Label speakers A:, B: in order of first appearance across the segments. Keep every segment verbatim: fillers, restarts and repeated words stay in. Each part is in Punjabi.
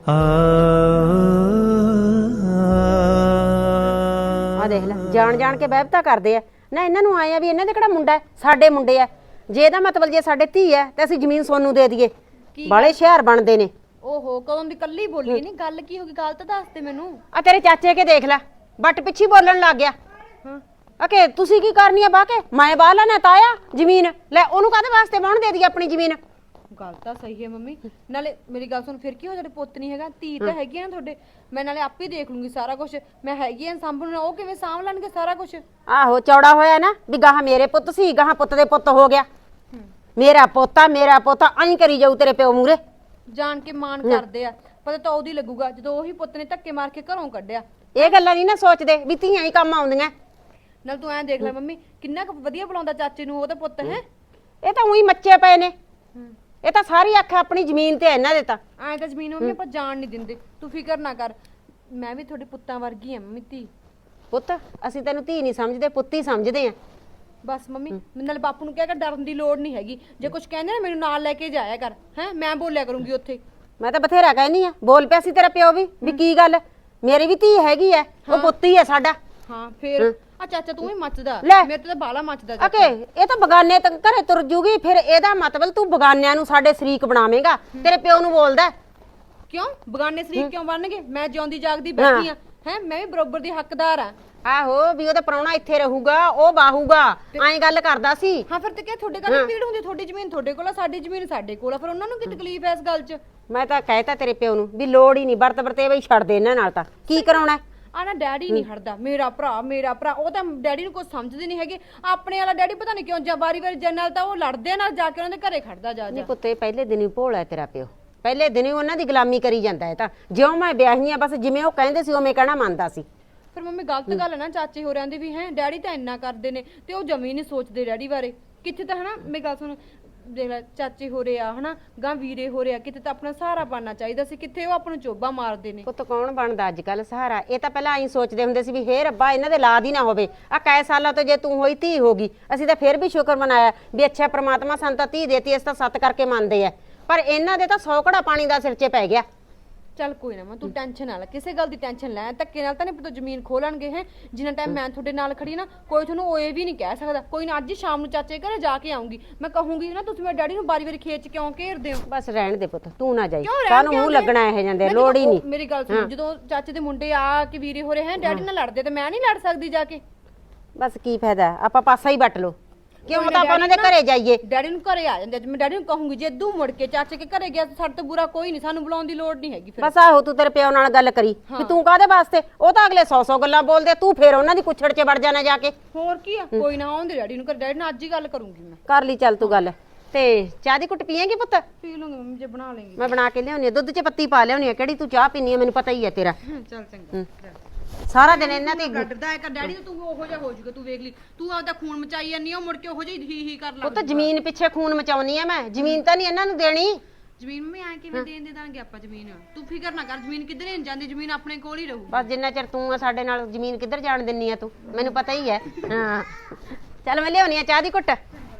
A: ਆ ਦੇਖ ਲੈ ਜਾਣ ਜਾਣ ਕੇ ਬਹਿਬਤਾ ਕਰਦੇ ਆ ਨਾ। ਇਹਨਾਂ ਨੂੰ ਆਏ ਆ ਵੀ ਇਹਨਾਂ ਦੇ ਕਿਹੜਾ ਮੁੰਡਾ ਸਾਡੇ ਮੁੰਡੇ ਆ। ਜੇ ਇਹਦਾ ਮਤਲਬ ਜੇ ਸਾਡੇ ਧੀ ਹੈ ਤੇ ਅਸੀਂ ਜ਼ਮੀਨ ਸੋਨੂੰ ਦੇ ਦਈਏ। ਬਾਲੇ ਸ਼ਹਿਰ ਬਣਦੇ ਨੇ।
B: ਓਹੋ ਕਦੋਂ ਦੀ ਕੱਲੀ ਬੋਲੀ ਨਹੀਂ, ਗੱਲ ਕੀ ਹੋ ਗਈ? ਗੱਲ ਤਾਂ ਦੱਸ ਦੇ ਮੈਨੂੰ।
A: ਆ ਤੇਰੇ ਚਾਚੇ ਕੇ ਦੇਖ ਲੈ ਬੱਟ ਪਿੱਛੇ ਬੋਲਣ ਲੱਗ ਗਿਆ।
B: ਹਾਂ
A: ਅਕੇ ਤੁਸੀਂ ਕੀ ਕਰਨੀ ਆ ਬਾਹ ਕੇ? ਮੈਂ ਬਾਹ ਲੈਣਾ ਤਾਇਆ ਜ਼ਮੀਨ ਲੈ, ਉਹਨੂੰ ਕਾਹਦੇ ਵਾਸਤੇ ਬਾਹਣ ਦੇ ਦਈਏ ਆਪਣੀ ਜ਼ਮੀਨ?
B: ਗੱਲ ਤਾਂ ਸਹੀ ਹੈ ਮੰਮੀ। ਨਾਲੇ ਮੇਰੀ ਗੱਲ ਸੁਣ, ਫਿਰ ਕੀ ਹੋ ਜਾਵੇ? ਪੁੱਤ ਨਹੀਂ ਹੈਗਾ, ਧੀ ਤਾਂ ਹੈਗੀ ਆ ਨਾ ਤੁਹਾਡੇ। ਮੈਂ ਨਾਲੇ ਆਪੇ ਦੇਖ ਲੂੰਗੀ ਸਾਰਾ ਕੁਝ। ਮੈਂ ਹੈਗੀ ਆ ਸਾਂਭਣ ਨੂੰ, ਉਹ ਕਿਵੇਂ ਸਾਂਭ ਲੈਣਗੇ ਸਾਰਾ ਕੁਝ?
A: ਆਹੋ ਚੌੜਾ ਹੋਇਆ ਨਾ ਵੀ ਗਾਹਾਂ ਮੇਰੇ ਪੁੱਤ ਸੀ, ਗਾਹਾਂ ਪੁੱਤ ਦੇ ਪੁੱਤ ਹੋ ਗਿਆ। ਮੇਰਾ ਪੋਤਾ ਮੇਰਾ ਪੋਤਾ ਐਂ ਕਰੀ ਜਾਊ ਤੇਰੇ ਪਿਓ ਮੂਰੇ।
B: ਜਾਣ ਕੇ ਮਾਣ ਕਰਦੇ ਆ, ਪਤਾ ਤਾਂ ਉਹਦੀ ਲੱਗੂਗਾ ਜਦੋਂ ਉਹੀ ਪੁੱਤ ਨੇ ਧੱਕੇ ਮਾਰ ਕੇ ਘਰੋਂ ਕੱਢਿਆ।
A: ਇਹ ਗੱਲਾਂ ਨਹੀਂ ਨਾ ਸੋਚਦੇ ਵੀ ਧੀਆਂ ਹੀ ਕੰਮ ਆਉਂਦੀਆਂ।
B: ਨਾਲ ਤੂੰ ਐਂ ਦੇਖ ਲੈ ਮੰਮੀ, ਕਿੰਨਾ ਕੁ ਵਧੀਆ ਬੁਲਾਉਂਦਾ ਚਾਚੇ ਨੂੰ ਉਹਦਾ ਪੁੱਤ ਹੈ।
A: ਇਹ ਤਾਂ ਉਹੀ ਮੱਚੇ ਪਏ ਨੇ। ਇਹ ਤਾਂ ਸਾਰੀ ਅੱਖ ਆਪਣੀ ਜ਼ਮੀਨ ਤੇ ਇਹਨਾਂ ਦੇ ਤਾਂ।
B: ਐਂ ਤਾਂ ਜ਼ਮੀਨ ਮੰਮੀ ਆਪਾਂ ਜਾਣ ਨਹੀਂ ਦਿੰਦੇ, ਤੂੰ ਫਿਕਰ ਨਾ ਕਰ। ਮੈਂ ਵੀ ਤੁਹਾਡੇ ਪੁੱਤਾਂ ਵਰਗੀ ਆ ਮੰਮੀ, ਧੀ।
A: ਪੁੱਤ ਅਸੀਂ ਤੈਨੂੰ ਧੀ ਨਹੀਂ ਸਮਝਦੇ, ਪੁੱਤ ਹੀ ਸਮਝਦੇ ਆ।
B: ਬਸ ਮੰਮੀ ਨਾਲ ਬਾਪੂ ਨੂੰ ਕਹਿ ਕੇ ਡਰਨ ਦੀ ਲੋੜ ਨਹੀਂ ਹੈਗੀ। ਜੇ ਕੁਝ ਕਹਿੰਦੇ ਨਾ ਮੈਨੂੰ ਨਾਲ ਲੈ ਕੇ ਜਾਇਆ ਕਰ, ਹੈ ਮੈਂ ਬੋਲਿਆ ਕਰੂੰਗੀ ਉੱਥੇ।
A: ਮੈਂ ਤਾਂ ਬਥੇਰਾ ਕਹਿਨੀ ਆ, ਬੋਲ ਪਿਆ ਸੀ ਤੇਰਾ ਪਿਓ ਵੀ ਵੀ ਕੀ ਗੱਲ ਮੇਰੀ ਵੀ ਧੀ ਹੈਗੀ ਐ, ਉਹ ਪੁੱਤ ਹੀ ਐ ਸਾਡਾ।
B: ਹਾਂ ਫੇਰ ਆ ਚਾਚਾ ਤੂੰ ਵੀ ਮੱਚਦਾ, ਮੇਰੇ ਤੋਂ ਤਾਂ ਬਾਲਾ ਮੱਚਦਾ।
A: ਓਕੇ ਇਹ ਤਾਂ ਬਗਾਨੇ ਤੱਕ ਘਰੇ ਤੁਰ ਜੂਗੀ, ਫਿਰ ਇਹਦਾ ਮਤਲਬ ਤੂੰ ਬਗਾਨਿਆਂ ਨੂੰ ਸਾਡੇ ਸ਼ਰੀਕ ਬਣਾਵੇਂਗਾ। ਤੇਰੇ ਪਿਓ ਨੂੰ ਬੋਲਦਾ
B: ਕਿਉਂ? ਬਗਾਨੇ ਸ਼ਰੀਕ ਕਿਉਂ ਬਣਨਗੇ? ਮੈਂ ਜਿਉਂਦੀ ਜਾਗਦੀ ਬੈਠੀ ਆ, ਹੈ ਮੈਂ ਵੀ ਬਰਾਬਰ ਦੀ ਹੱਕਦਾਰ ਆ।
A: ਆਹੋ ਵੀ ਉਹਦਾ ਪ੍ਰਾਹੁਣਾ ਇੱਥੇ ਰਹੂਗਾ, ਉਹ ਬਾਹੂਗਾ, ਐਂ ਗੱਲ ਕਰਦਾ ਸੀ।
B: ਹਾਂ ਫਿਰ ਤੇ ਕਿ ਤੁਹਾਡੇ ਕੋਲ ਪੀੜ ਹੁੰਦੀ, ਤੁਹਾਡੀ ਜ਼ਮੀਨ ਤੁਹਾਡੇ ਕੋਲ ਆ, ਸਾਡੀ ਜ਼ਮੀਨ ਸਾਡੇ ਕੋਲ ਆ, ਫਿਰ ਉਹਨਾਂ ਨੂੰ ਕੀ ਤਕਲੀਫ ਐ ਇਸ ਗੱਲ 'ਚ?
A: ਮੈਂ ਤਾਂ ਕਹਿਤਾ ਤੇਰੇ ਪਿਓ ਨੂੰ ਵੀ ਲੋੜ ਹੀ ਨਹੀਂ, ਵਰਤ ਵਰਤੇਵਾ ਹੀ ਛੱਡ ਦੇ ਇਹਨਾਂ ਨਾਲ। ਤਾਂ ਕੀ ਕਰਾਉਣਾ?
B: ਆ ਨਾ ਡੈਡੀ ਨਹੀਂ ਹਟਦਾ, ਮੇਰਾ ਭਰਾ ਮੇਰਾ ਭਰਾ। ਉਹ ਤਾਂ ਡੈਡੀ ਨੂੰ ਕੁਝ ਸਮਝਦੇ ਨਹੀਂ ਹੈਗੇ। ਆਪਣੇ ਵਾਲਾ ਡੈਡੀ ਪਤਾ ਨਹੀਂ ਕਿਉਂ ਜਾਂ ਵਾਰੀ ਵਾਰੀ ਜਨਰਲ ਤਾਂ ਉਹ ਲੜਦੇ ਨਾਲ ਜਾ ਕੇ ਉਹਨਾਂ ਦੇ ਘਰੇ ਖੜਦਾ ਜਾ ਜਾ।
A: ਨਹੀਂ ਪੁੱਤੇ ਪਹਿਲੇ ਦਿਨ ਹੀ ਭੋਲਾ ਤੇਰਾ ਪਿਓ, ਪਹਿਲੇ ਦਿਨ ਹੀ ਉਹਨਾਂ ਦੀ ਗੁਲਾਮੀ ਕਰੀ ਜਾਂਦਾ ਹੈ। ਤਾਂ ਜਿਉਂ ਮੈਂ ਵਿਆਹੀ ਆ ਬਸ ਜਿਵੇਂ ਉਹ ਕਹਿੰਦੇ ਸੀ ਉਵੇਂ ਕਹਿਣਾ ਮੰਨਦਾ ਸੀ।
B: ਫਿਰ ਮੰਮੀ ਗਲਤ ਗੱਲ ਹੈ ਨਾ ਚਾਚੇ ਹੋਰਿਆਂ ਦੀ ਵੀ, ਹੈ ਡੈਡੀ ਤਾਂ ਇੰਨਾ ਕਰਦੇ ਨੇ ਤੇ ਉਹ ਜਮੀ ਨਹੀਂ ਸੋਚਦੇ ਡੈਡੀ ਬਾਰੇ। ਕਿੱਥੇ ਤਾਂ ਹਨਾ ਮੇਰੀ ਗੱਲ ਸੁਣ, ਦੇਖ ਲੈ ਚਾਚੇ ਹੋਰੇ ਆ ਹਨਾ ਗਾਂ ਵੀਰੇ ਹੋਰੇ ਆ, ਕਿਤੇ ਤਾਂ ਆਪਣਾ ਸਹਾਰਾ ਬਣਨਾ ਚਾਹੀਦਾ ਸੀ, ਕਿੱਥੇ ਉਹ ਆਪਾਂ ਨੂੰ ਚੋਬਾ ਮਾਰਦੇ ਨੇ।
A: ਪੁੱਤ ਕੌਣ ਬਣਦਾ ਅੱਜ ਕੱਲ ਸਹਾਰਾ? ਇਹ ਤਾਂ ਪਹਿਲਾਂ ਐਂ ਸੋਚਦੇ ਹੁੰਦੇ ਸੀ ਵੀ ਹੇ ਰੱਬਾ ਇਹਨਾਂ ਦੇ ਲਾਦ ਹੀ ਨਾ ਹੋਵੇ। ਆ ਕਈ ਸਾਲਾਂ ਤੋਂ ਜੇ ਤੂੰ ਹੋਈ ਧੀ ਹੋਗੀ, ਅਸੀਂ ਤਾਂ ਫਿਰ ਵੀ ਸ਼ੁਕਰ ਮਨਾਇਆ ਵੀ ਅੱਛਾ ਪ੍ਰਮਾਤਮਾ ਸਾਨੂੰ ਤਾਂ ਧੀ ਦੇਤੀ, ਇਸ ਤਾਂ ਸੱਤ ਕਰਕੇ ਮੰਨਦੇ ਆ। ਪਰ ਇਹਨਾਂ ਦੇ ਤਾਂ ਸੌ ਘੜਾ ਪਾਣੀ ਦਾ ਸਿਰ 'ਚ ਪੈ ਗਿਆ।
B: ਚੱਲ ਕੋਈ ਨਾ ਮੈਂ ਤੂੰ ਟੈਨਸ਼ਨ ਨਾ ਲੈ, ਕਿਸੇ ਗੱਲ ਦੀ ਟੈਨਸ਼ਨ ਲੈ। ਧੱਕੇ ਨਾਲ ਤਾਂ ਨਹੀਂ ਪਤਾ ਜ਼ਮੀਨ ਖੋਹ ਲੈਣਗੇ। ਹੈ ਜਿੰਨਾ ਟਾਈਮ ਮੈਂ ਤੁਹਾਡੇ ਨਾਲ ਖੜੀ ਨਾ, ਕੋਈ ਤੁਹਾਨੂੰ ਉਹ ਇਹ ਵੀ ਨਹੀਂ ਕਹਿ ਸਕਦਾ। ਕੋਈ ਨਾ ਅੱਜ ਹੀ ਸ਼ਾਮ ਨੂੰ ਚਾਚੇ ਘਰੇ ਜਾ ਕੇ ਆਉਂਗੀ, ਮੈਂ ਕਹੂੰਗੀ ਨਾ ਤੁਸੀਂ ਮੇਰੇ ਡੈਡੀ ਨੂੰ ਬਾਰੀ ਵਾਰੀ ਖੇਚ ਕਿਉਂ ਘੇਰਦੇ ਹੋ?
A: ਬਸ ਰਹਿਣ ਦੇ ਪੁੱਤ, ਤੂੰ ਨਾ ਜਾਈ, ਕਾਹਨੂੰ ਮੂੰਹ ਲੱਗਣਾ ਇਹ ਜਾਂਦੇ, ਲੋੜ ਹੀ ਨਹੀਂ।
B: ਮੇਰੀ ਗੱਲ ਸੁਣ, ਜਦੋਂ ਚਾਚੇ ਦੇ ਮੁੰਡੇ ਆ ਕੇ ਵੀਰੇ ਹੋਰੇ ਹੈ ਡੈਡੀ ਨਾਲ ਲੜਦੇ ਤੇ ਮੈਂ ਨਹੀਂ ਲੜ ਸਕਦੀ ਜਾ ਕੇ?
A: ਬਸ ਕੀ ਫਾਇਦਾ, ਆਪਾਂ ਪਾਸਾ ਹੀ ਵੱਟ ਲੋ। ਕਿਉਂ ਤਾਂ ਆਪਾਂ ਉਹਨਾਂ ਦੇ ਘਰੇ ਜਾਈਏ?
B: ਡੈਡੀ ਨੂੰ ਘਰੇ ਆ ਜਾਂਦੇ, ਮੈਂ ਡੈਡੀ ਨੂੰ ਕਹੂੰਗੀ ਜੇ ਦੂ ਮੁੜ ਕੇ ਚਾਚੇ ਕੇ ਘਰੇ ਗਿਆ ਸਾਡੇ ਤੋਂ ਬੁਰਾ ਕੋਈ ਨਹੀਂ, ਸਾਨੂੰ ਬੁਲਾਉਣ ਦੀ ਲੋੜ ਨਹੀਂ ਹੈਗੀ।
A: ਬਸ ਆਹੋ ਤੂੰ ਤੇਰੇ ਪਿਓ ਨਾਲ ਗੱਲ ਕਰੀ ਵੀ ਤੂੰ ਕਾਹਦੇ ਵਾਸਤੇ, ਉਹ ਤਾਂ ਅਗਲੇ ਸੌ ਸੌ ਗੱਲਾਂ ਬੋਲਦੇ, ਤੂੰ ਫੇਰ ਉਹਨਾਂ ਦੀ ਕੁੱਛੜ 'ਚ ਵੜ ਜਾਣਾ ਜਾ ਕੇ।
B: ਹੋਰ ਕੀ ਆ, ਕੋਈ ਨਾ ਆਉਂਦੇ ਡੈਡੀ ਨੂੰ ਘਰੇ, ਡੈਡੀ ਨਾਲ ਅੱਜ ਹੀ ਗੱਲ ਕਰੂੰਗੀ ਮੈਂ।
A: ਕਰ ਲਈ ਚੱਲ ਤੂੰ ਗੱਲ। ਤੇ ਚਾਹ ਦੀ ਘੁੱਟ ਪੀਏਂਗੀ ਪੁੱਤ?
B: ਪੀ ਲੂੰਗੀ ਮੰਮੀ ਜੇ ਬਣਾ ਲੇਂਗੀ।
A: ਮੈਂ ਬਣਾ ਕੇ ਲਿਆਉਣੀ ਆ, ਦੁੱਧ 'ਚ ਪੱਤੀ ਪਾ ਲਿਆਉਣੀ ਆ। ਕਿਹੜੀ ਤੂੰ ਚਾਹ ਪੀਨੀ ਆ ਮੈਨੂੰ ਪਤਾ ਹੀ ਆ ਤੇਰਾ।
B: ਚੱਲ ਚੰਗਾ।
A: ਸਾਰਾ ਦਿਨ ਇਹਨਾਂ ਤੇ
B: ਗੱਡਦਾ ਹੈ ਕਿ ਡੈਡੀ ਤੂੰ ਉਹੋ ਜਿਹਾ ਹੋ ਜਾਊਗਾ, ਤੂੰ ਵੇਖ ਲਈ। ਤੂੰ ਆਪਦਾ ਖੂਨ ਮਚਾਈ ਜਾਂਦੀ ਆ, ਮੁੜ ਕੇ ਉਹੋ ਜਿਹੀ ਹੀ ਹੀ ਕਰ ਲਾ।
A: ਉਹ ਤਾਂ ਜ਼ਮੀਨ ਪਿੱਛੇ ਖੂਨ ਮਚਾਉਣੀ ਆ ਮੈਂ, ਜ਼ਮੀਨ ਤਾਂ ਨਹੀਂ ਇਹਨਾਂ ਨੂੰ ਦੇਣੀ।
B: ਜ਼ਮੀਨ ਮੈਂ ਐ ਕਿਵੇਂ ਦੇਣ ਦੇ ਦਾਂਗੇ ਆਪਾਂ ਜ਼ਮੀਨ? ਤੂੰ ਫਿਕਰ ਨਾ ਕਰ, ਜ਼ਮੀਨ ਕਿੱਧਰੇ ਨਹੀਂ ਜਾਂਦੀ, ਜ਼ਮੀਨ ਆਪਣੇ ਕੋਲ ਹੀ ਰਹੂ।
A: ਬਸ ਜਿੰਨਾ ਚਿਰ ਤੂੰ ਆ ਸਾਡੇ ਨਾਲ, ਜ਼ਮੀਨ ਕਿੱਧਰ ਜਾਣ ਦਿੰਨੀ ਆ ਤੂੰ, ਮੈਨੂੰ ਪਤਾ ਹੀ ਹੈ। ਹਾਂ ਚੱਲ ਮੈਂ ਲਿਆਉਣੀ ਆ ਚਾਹ ਦੀ ਘੁੱਟ।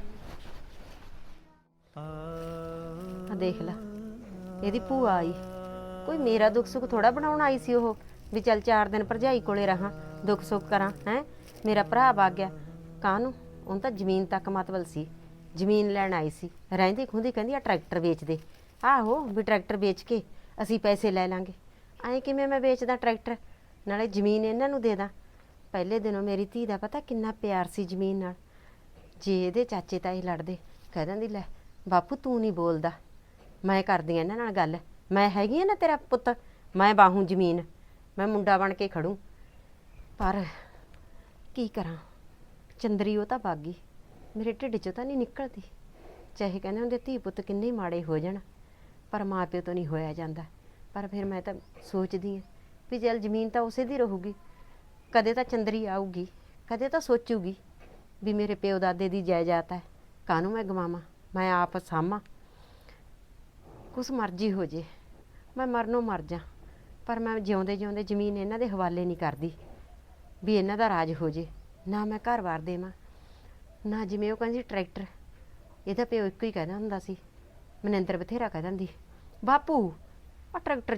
A: ਆ ਦੇਖ ਲੈ ਇਹਦੀ ਭੂਆ ਆਈ, ਕੋਈ ਮੇਰਾ ਦੁੱਖ ਸੁੱਖ ਥੋੜਾ ਬਣਾਉਣ ਆਈ ਸੀ ਉਹ, ਵੀ ਚੱਲ ਚਾਰ ਦਿਨ ਭਰਜਾਈ ਕੋਲੇ ਰਹਾਂ, ਦੁੱਖ ਸੁੱਖ ਕਰਾਂ। ਹੈ ਮੇਰਾ ਭਰਾ ਵਗ ਗਿਆ ਕਾਹਨੂੰ? ਉਹਨੂੰ ਤਾਂ ਜ਼ਮੀਨ ਤੱਕ ਮਤਲਬ ਸੀ, ਜ਼ਮੀਨ ਲੈਣ ਆਈ ਸੀ। ਰਹਿੰਦੀ ਖੁੰਦੀ ਕਹਿੰਦੀ ਆ ਟਰੈਕਟਰ ਵੇਚ ਦੇ। ਆਹੋ ਵੀ ਟਰੈਕਟਰ ਵੇਚ ਕੇ ਅਸੀਂ ਪੈਸੇ ਲੈ ਲਾਂਗੇ। ਐਂ ਕਿਵੇਂ ਮੈਂ ਵੇਚਦਾ ਟਰੈਕਟਰ, ਨਾਲੇ ਜ਼ਮੀਨ ਇਹਨਾਂ ਨੂੰ ਦੇ ਦਾਂ। ਪਹਿਲੇ ਦਿਨੋਂ ਮੇਰੀ ਧੀ ਦਾ ਪਤਾ ਕਿੰਨਾ ਪਿਆਰ ਸੀ ਜ਼ਮੀਨ ਨਾਲ। ਜੇ ਇਹਦੇ ਚਾਚੇ ਤਾਏ ਲੜਦੇ, ਕਹਿ ਦਿੰਦੀ ਲੈ ਬਾਪੂ ਤੂੰ ਨਹੀਂ ਬੋਲਦਾ, ਮੈਂ ਕਰਦੀ ਆ ਇਹਨਾਂ ਨਾਲ ਗੱਲ, ਮੈਂ ਹੈਗੀ ਆ ਨਾ ਤੇਰਾ ਪੁੱਤ, ਮੈਂ ਬਾਹੂ ਜ਼ਮੀਨ, ਮੈਂ ਮੁੰਡਾ ਬਣ ਕੇ ਖੜੂੰ। ਪਰ ਕੀ ਕਰਾਂ, ਚੰਦਰੀ ਉਹ ਤਾਂ ਬਾਗੀ, ਮੇਰੇ ਢਿੱਡ 'ਚੋਂ ਤਾਂ ਨਹੀਂ ਨਿਕਲਦੀ। ਚਾਹੇ ਕਹਿੰਦੇ ਹੁੰਦੇ ਧੀ ਪੁੱਤ ਕਿੰਨੇ ਮਾੜੇ ਹੋ ਜਾਣ, ਪਰ ਮਾਂ ਪਿਓ ਤੋਂ ਨਹੀਂ ਹੋਇਆ ਜਾਂਦਾ। ਪਰ ਫਿਰ ਮੈਂ ਤਾਂ ਸੋਚਦੀ ਹਾਂ ਵੀ ਚੱਲ ਜ਼ਮੀਨ ਤਾਂ ਉਸੇ ਦੀ ਰਹੂਗੀ, ਕਦੇ ਤਾਂ ਚੰਦਰੀ ਆਊਗੀ, ਕਦੇ ਤਾਂ ਸੋਚੂਗੀ ਵੀ ਮੇਰੇ ਪਿਓ ਦਾਦੇ ਦੀ ਜਾਇਦਾਦ ਹੈ, ਕਾਹਨੂੰ ਮੈਂ ਗਵਾਵਾਂ, ਮੈਂ ਆਪ ਸਾਂਭਾਂ। ਕੁਛ ਮਰਜ਼ੀ ਹੋ ਜੇ, ਮੈਂ ਮਰਨੋਂ ਮਰ ਜਾ, ਪਰ ਮੈਂ ਜਿਉਂਦੇ ਜਿਉਂਦੇ ਜ਼ਮੀਨ ਇਹਨਾਂ ਦੇ ਹਵਾਲੇ ਨਹੀਂ ਕਰਦੀ ਵੀ ਇਹਨਾਂ ਦਾ ਰਾਜ ਹੋ ਜੇ। ਨਾ ਮੈਂ ਘਰ-ਬਾਰ ਦੇਵਾਂ, ਨਾ ਜਿਵੇਂ ਉਹ ਕਹਿੰਦੀ ਟਰੈਕਟਰ, ਇਹਦਾ ਪਿਓ ਇੱਕੋ ਹੀ ਕਹਿੰਦਾ ਹੁੰਦਾ ਸੀ, ਮਨਿੰਦਰ ਬਥੇਰਾ ਕਹਿ ਦਿੰਦੀ ਬਾਪੂ ਆ ਟਰੈਕਟਰ ਜਾ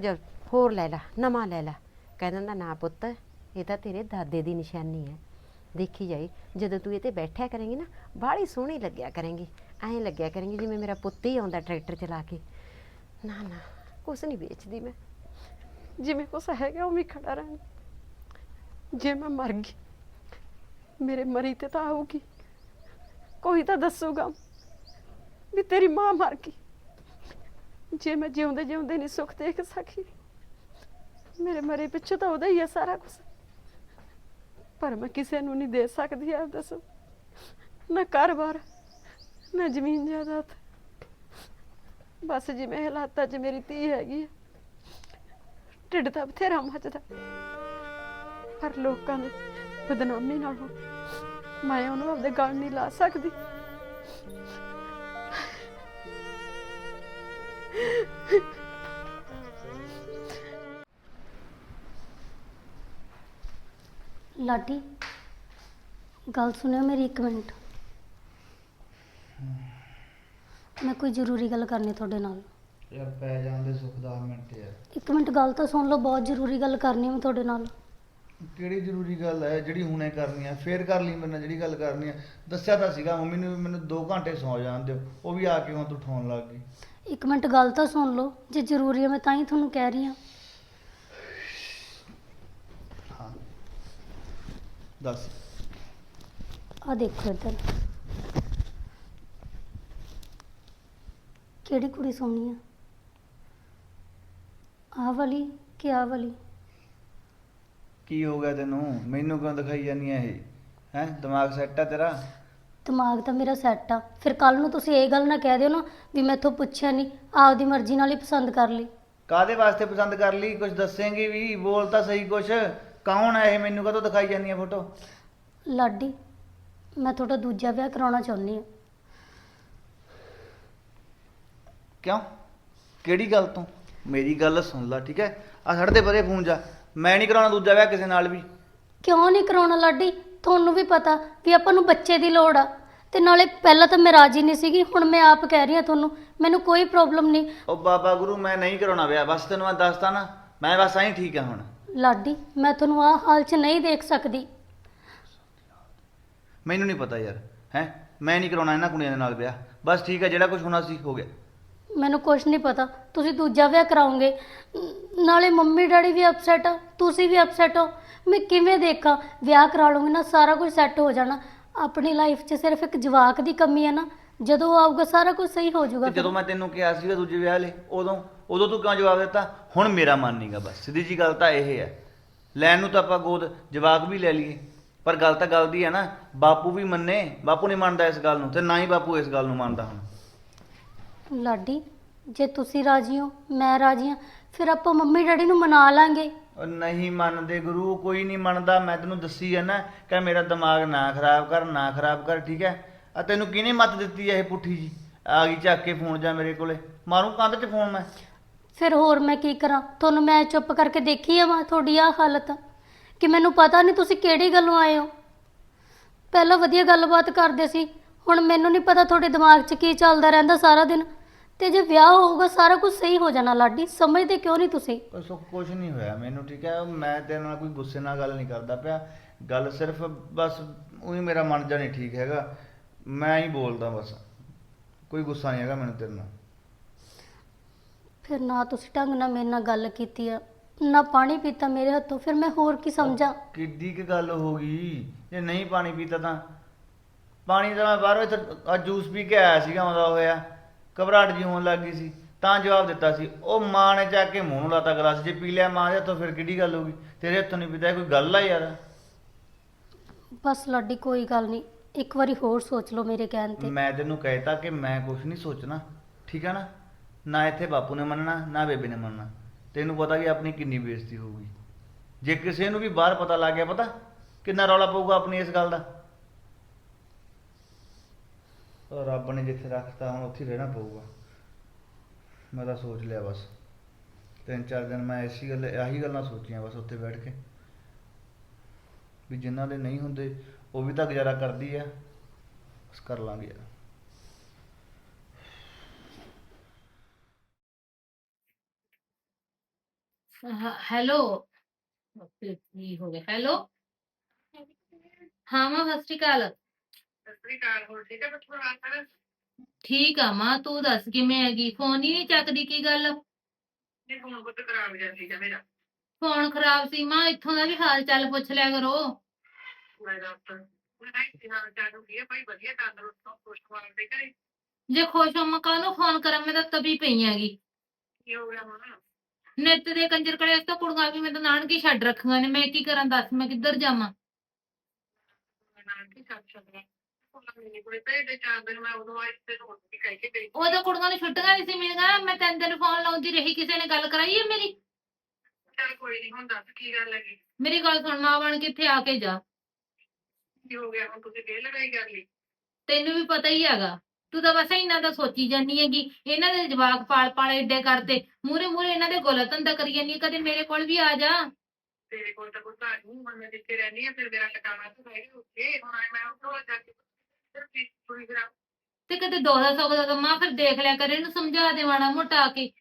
A: ਹੋਰ ਲੈ ਲੈ, ਨਵਾਂ ਲੈ ਲੈ। ਕਹਿ ਦਿੰਦਾ ਨਾ ਪੁੱਤ, ਇਹ ਤਾਂ ਤੇਰੇ ਦਾਦੇ ਦੀ ਨਿਸ਼ਾਨੀ ਹੈ। ਦੇਖੀ ਜਾਈ ਜਦੋਂ ਤੂੰ ਇਹ 'ਤੇ ਬੈਠਿਆ ਕਰੇਂਗੀ ਨਾ, ਬਾਹਲੀ ਸੋਹਣੀ ਲੱਗਿਆ ਕਰੇਂਗੀ। ਐਂ ਲੱਗਿਆ ਕਰੇਂਗੀ ਜਿਵੇਂ ਮੇਰਾ ਪੁੱਤ ਹੀ ਆਉਂਦਾ ਟਰੈਕਟਰ ਚਲਾ ਕੇ। ਨਾ ਨਾ, ਕੁਛ ਨਹੀਂ ਵੇਚਦੀ ਮੈਂ, ਜਿਵੇਂ ਕੁਛ ਹੈਗਾ ਉਵੇਂ ਹੀ ਖੜਾ ਰਹਿਣਾ। ਜੇ ਮੈਂ ਮਰ ਗਈ, ਮੇਰੇ ਮਰੀ ਤੇ ਤਾਂ ਆਊਗੀ, ਕੋਈ ਤਾਂ ਦੱਸੂਗਾ ਵੀ ਤੇਰੀ ਮਾਂ ਮਰ ਗਈ। ਜੇ ਮੈਂ ਜਿਉਂਦੇ ਜਿਉਂਦੇ ਨਹੀਂ ਸੁੱਖ ਦੇਖ ਸਕੀ, ਮੇਰੇ ਮਰੇ ਪਿੱਛੇ ਤਾਂ ਉਹਦਾ ਹੀ ਹੈ ਸਾਰਾ ਕੁਝ। ਪਰ ਮੈਂ ਕਿਸੇ ਨੂੰ ਨਹੀਂ ਦੇ ਸਕਦੀ। ਆਪ ਦੱਸੋ, ਨਾ ਘਰ-ਬਾਰ, ਨਾ ਜ਼ਮੀਨ ਜਾਇਦਾਦ, ਬਸ ਜਿਵੇਂ ਹਾਲਾਤਾਂ 'ਚ ਮੇਰੀ ਧੀ ਹੈਗੀ ਹੈ। ਢਿੱਡ ਤਾਂ ਬਥੇਰਾ ਮੱਚਦਾ, ਪਰ ਲੋਕਾਂ ਦੇ ਬਦਨਾਮੀ ਨਾਲੋਂ ਮੈਂ ਉਹਨੂੰ ਆਪਦੇ ਗਲ ਨਹੀਂ ਲਾ ਸਕਦੀ।
C: ਲਾਡੀ, ਗੱਲ ਸੁਣਿਓ ਮੇਰੀ ਇੱਕ ਮਿੰਟ। ਮੈਂ ਕੋਈ ਜ਼ਰੂਰੀ ਗੱਲ ਕਰਨੀ ਤੁਹਾਡੇ ਨਾਲ।
D: ਯਾਰ ਪੈ ਜਾਂਦੇ ਸੁੱਖ ਦਸ ਮਿੰਟ ਯਾਰ।
C: ਇੱਕ ਮਿੰਟ ਗੱਲ ਤਾਂ ਸੁਣ ਲਓ, ਬਹੁਤ ਜ਼ਰੂਰੀ ਗੱਲ ਕਰਨੀ ਮੈਂ ਤੁਹਾਡੇ ਨਾਲ।
D: ਕਿਹੜੀ ਜ਼ਰੂਰੀ ਗੱਲ ਹੈ ਜਿਹੜੀ ਹੁਣੇ ਕਰਨੀ ਆ? ਫੇਰ ਕਰ ਲਈ ਮੇਰੇ ਨਾਲ ਜਿਹੜੀ ਗੱਲ ਕਰਨੀ ਆ। ਦੱਸਿਆ ਤਾਂ ਸੀਗਾ ਮੰਮੀ ਨੂੰ ਵੀ ਮੈਨੂੰ ਦੋ ਘੰਟੇ ਸੌ ਜਾਣ ਦਿਓ, ਉਹ ਵੀ ਆ ਕੇ ਹੁਣ ਤੂੰ ਠਾਉਣ ਲੱਗ ਗਈ।
C: ਇੱਕ ਮਿੰਟ ਗੱਲ ਤਾਂ ਸੁਣ ਲਓ, ਜੇ ਜ਼ਰੂਰੀ ਹੈ ਮੈਂ ਤਾਂ ਹੀ ਤੁਹਾਨੂੰ ਕਹਿ ਰਹੀ ਹਾਂ।
D: ਹਾਂ ਦੱਸ।
C: ਆ ਦੇਖੋ ਇੱਧਰ, ਕਿਹੜੀ ਕੁੜੀ ਸੋਹਣੀ ਆ? ਆਹ ਵਾਲੀ ਕਿ ਆਹ ਵਾਲੀ?
D: ਕੀ ਹੋ ਗਿਆ ਤੈਨੂੰ? ਮੈਨੂੰ ਕਿਉਂ ਦਿਖਾਈ ਜਾਂਦੀ ਹੈ ਇਹ? ਹੈ ਦਿਮਾਗ ਸੈੱਟ ਆ ਤੇਰਾ?
C: ਦਿਮਾਗ ਤਾਂ ਮੇਰਾ ਸੈੱਟ ਆ। ਫਿਰ ਕੱਲ ਨੂੰ ਤੁਸੀਂ ਇਹ ਗੱਲ ਨਾ ਕਹਿ ਦਿਓ ਨਾ ਵੀ ਮੈਥੋਂ ਪੁੱਛਿਆ ਨਹੀਂ, ਆਪਦੀ ਮਰਜ਼ੀ ਨਾਲ ਹੀ ਪਸੰਦ ਕਰ ਲਈ।
D: ਕਾਹਦੇ ਵਾਸਤੇ ਪਸੰਦ ਕਰ ਲਈ? ਕੁਝ ਦੱਸੇਂਗੀ ਵੀ? ਬੋਲ ਤਾਂ ਸਹੀ ਕੁਛ। ਕੌਣ ਹੈ ਇਹ? ਮੈਨੂੰ ਕਦੋਂ ਦਿਖਾਈ ਜਾਂਦੀ ਹੈ ਫੋਟੋ?
C: ਲਾਡੀ, ਮੈਂ ਤੁਹਾਡਾ ਦੂਜਾ ਵਿਆਹ ਕਰਾਉਣਾ ਚਾਹੁੰਦੀ ਹਾਂ।
D: ਕਿਉਂ? ਕਿਹੜੀ ਗੱਲ ਤੋਂ? ਮੇਰੀ ਗੱਲ ਸੁਣ ਲੈ, ਠੀਕ ਹੈ? ਆ ਛੱਡ ਦੇ ਪਰੇ ਫੋਨ ਜਾ। ਮੈਂ ਨਹੀਂ ਕਰਾਉਣਾ ਦੂਜਾ ਵਿਆਹ ਕਿਸੇ ਨਾਲ ਵੀ।
C: ਕਿਉਂ ਨਹੀਂ ਕਰਾਉਣਾ ਲਾਡੀ? ਤੁਹਾਨੂੰ ਵੀ ਪਤਾ ਵੀ ਆਪਾਂ ਨੂੰ ਬੱਚੇ ਦੀ ਲੋੜ ਆ, ਤੇ ਨਾਲੇ ਪਹਿਲਾਂ ਤਾਂ ਮੈਂ ਰਾਜੀ ਨਹੀਂ ਸੀਗੀ, ਹੁਣ ਮੈਂ ਆਪ ਕਹਿ ਰਹੀ ਹਾਂ ਤੁਹਾਨੂੰ, ਮੈਨੂੰ ਕੋਈ ਪ੍ਰੋਬਲਮ ਨਹੀਂ।
D: ਉਹ ਬਾਬਾ ਗੁਰੂ, ਮੈਂ ਨਹੀਂ ਕਰਾਉਣਾ ਵਿਆਹ, ਬਸ ਤੈਨੂੰ ਮੈਂ ਦੱਸਤਾ ਨਾ। ਮੈਂ ਬਸ ਐਂ ਠੀਕ ਆ ਹੁਣ।
C: ਲਾਡੀ, ਮੈਂ ਤੁਹਾਨੂੰ ਆਹ ਹਾਲ 'ਚ ਨਹੀਂ ਦੇਖ ਸਕਦੀ।
D: ਮੈਨੂੰ ਨਹੀਂ ਪਤਾ ਯਾਰ, ਹੈ ਮੈਂ ਨਹੀਂ ਕਰਾਉਣਾ ਇਹਨਾਂ ਕੁੜੀਆਂ ਦੇ ਨਾਲ ਵਿਆਹ। ਬਸ ਠੀਕ ਹੈ, ਜਿਹੜਾ ਕੁਝ ਹੋਣਾ ਸੀ ਹੋ ਗਿਆ।
C: ਮੈਨੂੰ ਕੁਝ ਨਹੀਂ ਪਤਾ, ਤੁਸੀਂ ਦੂਜਾ ਵਿਆਹ ਕਰਾਓਗੇ। ਨ- ਨਾਲੇ ਮੰਮੀ ਡੈਡੀ ਵੀ ਅਪਸੈਟ ਆ, ਤੁਸੀਂ ਵੀ ਅਪਸੈਟ ਹੋ। ਮੈਂ ਕਿਵੇਂ ਦੇਖਾਂ? ਵਿਆਹ ਕਰਾ ਲਵਾਂਗੀ ਨਾ, ਸਾਰਾ ਕੁਝ ਸੈੱਟ ਹੋ ਜਾਣਾ। ਆਪਣੀ ਲਾਈਫ 'ਚ ਸਿਰਫ ਇੱਕ ਜਵਾਕ ਦੀ ਕਮੀ ਹੈ ਨਾ, ਜਦੋਂ ਉਹ ਆਊਗਾ ਸਾਰਾ ਕੁਝ ਸਹੀ ਹੋ ਜਾਊਗਾ।
D: ਤੇ ਜਦੋਂ ਮੈਂ ਤੈਨੂੰ ਕਿਹਾ ਸੀਗਾ ਦੂਜੇ ਵਿਆਹ ਲਈ, ਉਦੋਂ ਉਦੋਂ ਤੂੰ ਕਿਉਂ ਜਵਾਬ ਦਿੱਤਾ? ਹੁਣ ਮੇਰਾ ਮਨ ਨਹੀਂਗਾ। ਬਸ ਸਿੱਧੀ ਜੀ ਗੱਲ ਤਾਂ ਇਹ ਹੈ। ਲੈਣ ਨੂੰ ਤਾਂ ਆਪਾਂ ਗੋਦ ਜਵਾਕ ਵੀ ਲੈ ਲਈਏ, ਪਰ ਗੱਲ ਤਾਂ ਗੱਲ ਦੀ ਹੈ ਨਾ। ਬਾਪੂ ਵੀ ਮੰਨੇ, ਬਾਪੂ ਨਹੀਂ ਮੰਨਦਾ ਇਸ ਗੱਲ ਨੂੰ, ਤੇ ਨਾ ਹੀ ਬਾਪੂ ਇਸ ਗੱਲ ਨੂੰ ਮੰਨਦਾ ਹੁਣ।
C: ਲਾਡੀ, ਜੇ ਤੁਸੀਂ ਰਾਜੀ ਹੋ, ਮੈਂ ਰਾਜੀ ਹਾਂ, ਫਿਰ ਆਪਾਂ ਮੰਮੀ ਡੈਡੀ ਨੂੰ ਮਨਾ ਲਾਂਗੇ।
D: ਉਹ ਨਹੀਂ ਮੰਨਦੇ ਗੁਰੂ, ਕੋਈ ਨਹੀਂ ਮੰਨਦਾ। ਮੈਂ ਤੈਨੂੰ ਦੱਸੀ ਹੈ ਨਾ ਕਿ ਮੇਰਾ ਦਿਮਾਗ ਨਾ ਖਰਾਬ ਕਰ, ਨਾ ਖਰਾਬ ਕਰ, ਠੀਕ ਹੈ? ਆ ਤੈਨੂੰ ਕਿਹਨੇ ਮੱਤ ਦਿੱਤੀ ਹੈ ਇਹ ਪੁੱਠੀ ਜੀ? ਆ ਗਈ ਚੱਕ ਕੇ ਫੋਨ ਜਾ ਮੇਰੇ ਕੋਲੇ, ਮਾਰੂ ਕੰਧ 'ਚ ਫੋਨ ਮੈਂ।
C: ਫਿਰ ਹੋਰ ਮੈਂ ਕੀ ਕਰਾਂ? ਤੁਹਾਨੂੰ ਮੈਂ ਚੁੱਪ ਕਰਕੇ ਦੇਖੀ ਆ ਵਾ ਤੁਹਾਡੀ ਆਹ ਹਾਲਤ, ਕਿ ਮੈਨੂੰ ਪਤਾ ਨਹੀਂ ਤੁਸੀਂ ਕਿਹੜੀ ਗੱਲੋਂ ਆਏ ਹੋ। ਪਹਿਲਾਂ ਵਧੀਆ ਗੱਲਬਾਤ ਕਰਦੇ ਸੀ, ਹੁਣ ਮੈਨੂੰ ਨਹੀਂ ਪਤਾ ਤੁਹਾਡੇ ਦਿਮਾਗ 'ਚ ਕੀ ਚੱਲਦਾ ਰਹਿੰਦਾ ਸਾਰਾ ਦਿਨ। ਤੇ ਜੇ ਵਿਆਹ ਹੋਊਗਾ ਸਾਰਾ ਕੁਝ ਸਹੀ ਹੋ ਜਾਣਾ। ਲਾਡੀ, ਸਮਝਦੇ ਕਿਉਂ ਨਹੀਂ ਤੁਸੀਂ?
D: ਕੁਛ ਕੁਛ ਨਹੀਂ ਹੋਇਆ ਮੈਨੂੰ, ਠੀਕ ਹੈ? ਮੈਂ ਤੇਰੇ ਨਾਲ ਕੋਈ ਗੁੱਸੇ ਨਾਲ ਗੱਲ ਨਹੀਂ ਕਰਦਾ ਪਿਆ। ਗੱਲ ਸਿਰਫ ਬਸ ਉਹੀ ਮੇਰਾ ਮਨ ਜਾ ਨਹੀਂ ਠੀਕ ਹੈਗਾ, ਮੈਂ ਹੀ ਬੋਲਦਾ ਬਸ। ਕੋਈ ਗੁੱਸਾ ਨਹੀਂ ਹੈਗਾ ਮੈਨੂੰ ਤੇਰੇ ਨਾਲ।
C: ਫਿਰ ਨਾ ਤੁਸੀਂ ਢੰਗ ਨਾਲ ਮੇਰੇ ਨਾਲ ਗੱਲ ਕੀਤੀ ਆ, ਨਾ ਪਾਣੀ ਪੀਤਾ ਮੇਰੇ ਹੱਥੋਂ, ਫਿਰ ਮੈਂ ਹੋਰ ਕੀ ਸਮਝਾਂ?
D: ਕਿੱਡੀ ਕੁ ਗੱਲ ਹੋ ਗਈ? ਜੇ ਨਹੀਂ ਪਾਣੀ ਪੀਤਾ ਤਾਂ ਪਾਣੀ ਤਾਂ ਮੈਂ ਬਾਹਰੋਂ ਇੱਥੇ ਅੱਜ ਜੂਸ ਪੀ ਕੇ ਆਇਆ ਸੀਗਾ, ਆਉਂਦਾ ਹੋਇਆ ਘਬਰਾਹਟ ਜੀ ਹੋਣ ਲੱਗ ਗਈ ਸੀ ਤਾਂ ਜਵਾਬ ਦਿੱਤਾ ਸੀ। ਉਹ ਮਾਂ ਨੇ ਚੱਕ ਕੇ ਮੂੰਹ ਨੂੰ ਲਾਤਾ ਗਲਾਸ। ਜੇ ਪੀ ਲਿਆ ਮਾਂ ਦੇ ਹੱਥੋਂ ਫਿਰ ਕਿਹੜੀ ਗੱਲ ਹੋ ਗਈ? ਤੇਰੇ ਹੱਥੋਂ ਨਹੀਂ ਪੀਤਾ, ਕੋਈ ਗੱਲ ਆ ਯਾਰ?
C: ਬਸ ਲਾਡੀ, ਕੋਈ ਗੱਲ ਨਹੀਂ, ਇੱਕ ਵਾਰੀ ਹੋਰ ਸੋਚ ਲਓ ਮੇਰੇ ਕਹਿਣ ਤੇ।
D: ਮੈਂ ਤੈਨੂੰ ਕਹਿਤਾ ਕਿ ਮੈਂ ਕੁਛ ਨਹੀਂ ਸੋਚਣਾ, ਠੀਕ ਹੈ ਨਾ? ਨਾ ਇੱਥੇ ਬਾਪੂ ਨੇ ਮੰਨਣਾ, ਨਾ ਬੇਬੇ ਨੇ ਮੰਨਣਾ। ਤੈਨੂੰ ਪਤਾ ਵੀ ਆਪਣੀ ਕਿੰਨੀ ਬੇਇੱਜ਼ਤੀ ਹੋਊਗੀ ਜੇ ਕਿਸੇ ਨੂੰ ਵੀ ਬਾਹਰ ਪਤਾ ਲੱਗ ਗਿਆ। ਪਤਾ ਕਿੰਨਾ ਰੌਲਾ ਪਊਗਾ ਆਪਣੀ ਇਸ ਗੱਲ ਦਾ। ਉਹ ਰੱਬ ਨੇ ਜਿੱਥੇ ਰੱਖਤਾ ਹੁਣ ਉੱਥੇ ਹੀ ਰਹਿਣਾ ਪਊਗਾ। ਮੈਂ ਤਾਂ ਸੋਚ ਲਿਆ ਬਸ, ਤਿੰਨ ਚਾਰ ਦਿਨ ਮੈਂ ਐਸੀ ਗੱਲ ਆਹੀ ਗੱਲਾਂ ਸੋਚੀਆਂ ਬਸ ਉੱਥੇ ਬੈਠ ਕੇ, ਵੀ ਜਿਨ੍ਹਾਂ ਦੇ ਨਹੀਂ ਹੁੰਦੇ ਉਹ ਵੀ ਤਾਂ ਗੁਜ਼ਾਰਾ ਕਰਦੀ ਆ, ਬਸ ਕਰ ਲਾਂਗੇ ਯਾਰ।
E: ਹ- ਹੈਲੋ। ਓਕੇ, ਕੀ ਹੋ ਗਿਆ? ਹੈਲੋ। ਹਾਂ ਮਾਂ, ਸਤਿ ਸ਼੍ਰੀ ਅਕਾਲ। ਠੀਕ ਆ ਮਾਂ, ਤੂੰ ਦੱਸ ਕਿਵੇਂ ਹੈਗੀ? ਫੋਨ ਹੀ ਨਹੀਂ ਚੱਕਦੀ, ਕੀ ਗੱਲ? ਫੋਨ ਖਰਾਬ ਸੀ ਮਾਂ, ਇੱਥੋਂ ਦਾ ਵੀ ਹਾਲ ਚਾਲ ਪੁੱਛ ਲਿਆ ਕਰੋ। ਜੇ ਖੁਸ਼ ਹੋ ਮੈਂ ਕਾਹਨੂੰ ਫੋਨ ਕਰਾਂ, ਮੈਂ ਤਾਂ ਤਬੀ ਪਈ ਹੈਗੀ। ਨਿੱਤ ਦੇ ਕੰਜਰ ਕਲੇਸ਼ ਤੋਂ ਕੁੜੀਆਂ ਵੀ ਮੈਂ ਤਾਂ ਨਾਨਕੀ ਛੱਡ ਰੱਖੀਆਂ ਨੇ, ਮੈਂ ਕੀ ਕਰਾਂ ਦੱਸ, ਮੈਂ ਕਿੱਧਰ ਜਾਵਾਂ? ਉਦੋਂ ਕੁੜੀਆਂ ਨੂੰ ਛੁੱਟੀਆਂ ਨਹੀਂ ਸੀ ਮਿਲੀਆਂ, ਮੈਂ ਤਿੰਨ ਦਿਨ ਫੋਨ ਲਾਉਂਦੀ ਰਹੀ, ਕਿਸੇ ਨੇ ਗੱਲ ਕਰਾਈ ਹੈ ਮੇਰੀ? ਮੇਰੀ ਗੱਲ ਸੁਣ, ਮਾਂ ਬਣ ਕੇ ਇੱਥੇ ਆ ਕੇ ਜਾ। ਤੈਨੂੰ ਵੀ ਪਤਾ ਹੀ ਹੈਗਾ, ਤੂੰ ਤਾਂ ਬਸ ਇਹਨਾਂ ਦਾ ਸੋਚੀ ਜਾਂਦੀ ਹੈਗੀ। ਇਹਨਾਂ ਦੇ ਜਵਾਕ ਪਾਲ ਪਾਲ ਏਡੇ ਕਰਦੇ, ਮੂਰੇ ਮੂਰੇ ਇਹਨਾਂ ਦੇ ਗੋਲਾ ਧੰਦਾ ਕਰੀ ਜਾਂਦੀ ਹੈ। ਕਦੇ ਮੇਰੇ ਕੋਲ ਵੀ ਆ ਜਾ। ਤੇ ਕਦੇ ਦੋ ਦਾ ਸੌ ਦਾ ਮਾਂ ਫਿਰ ਦੇਖ ਲਿਆ ਕਰ, ਇਹਨੂੰ ਸਮਝਾ ਦੇ ਮਾੜਾ ਮੋਟਾ ਆ ਕੇ।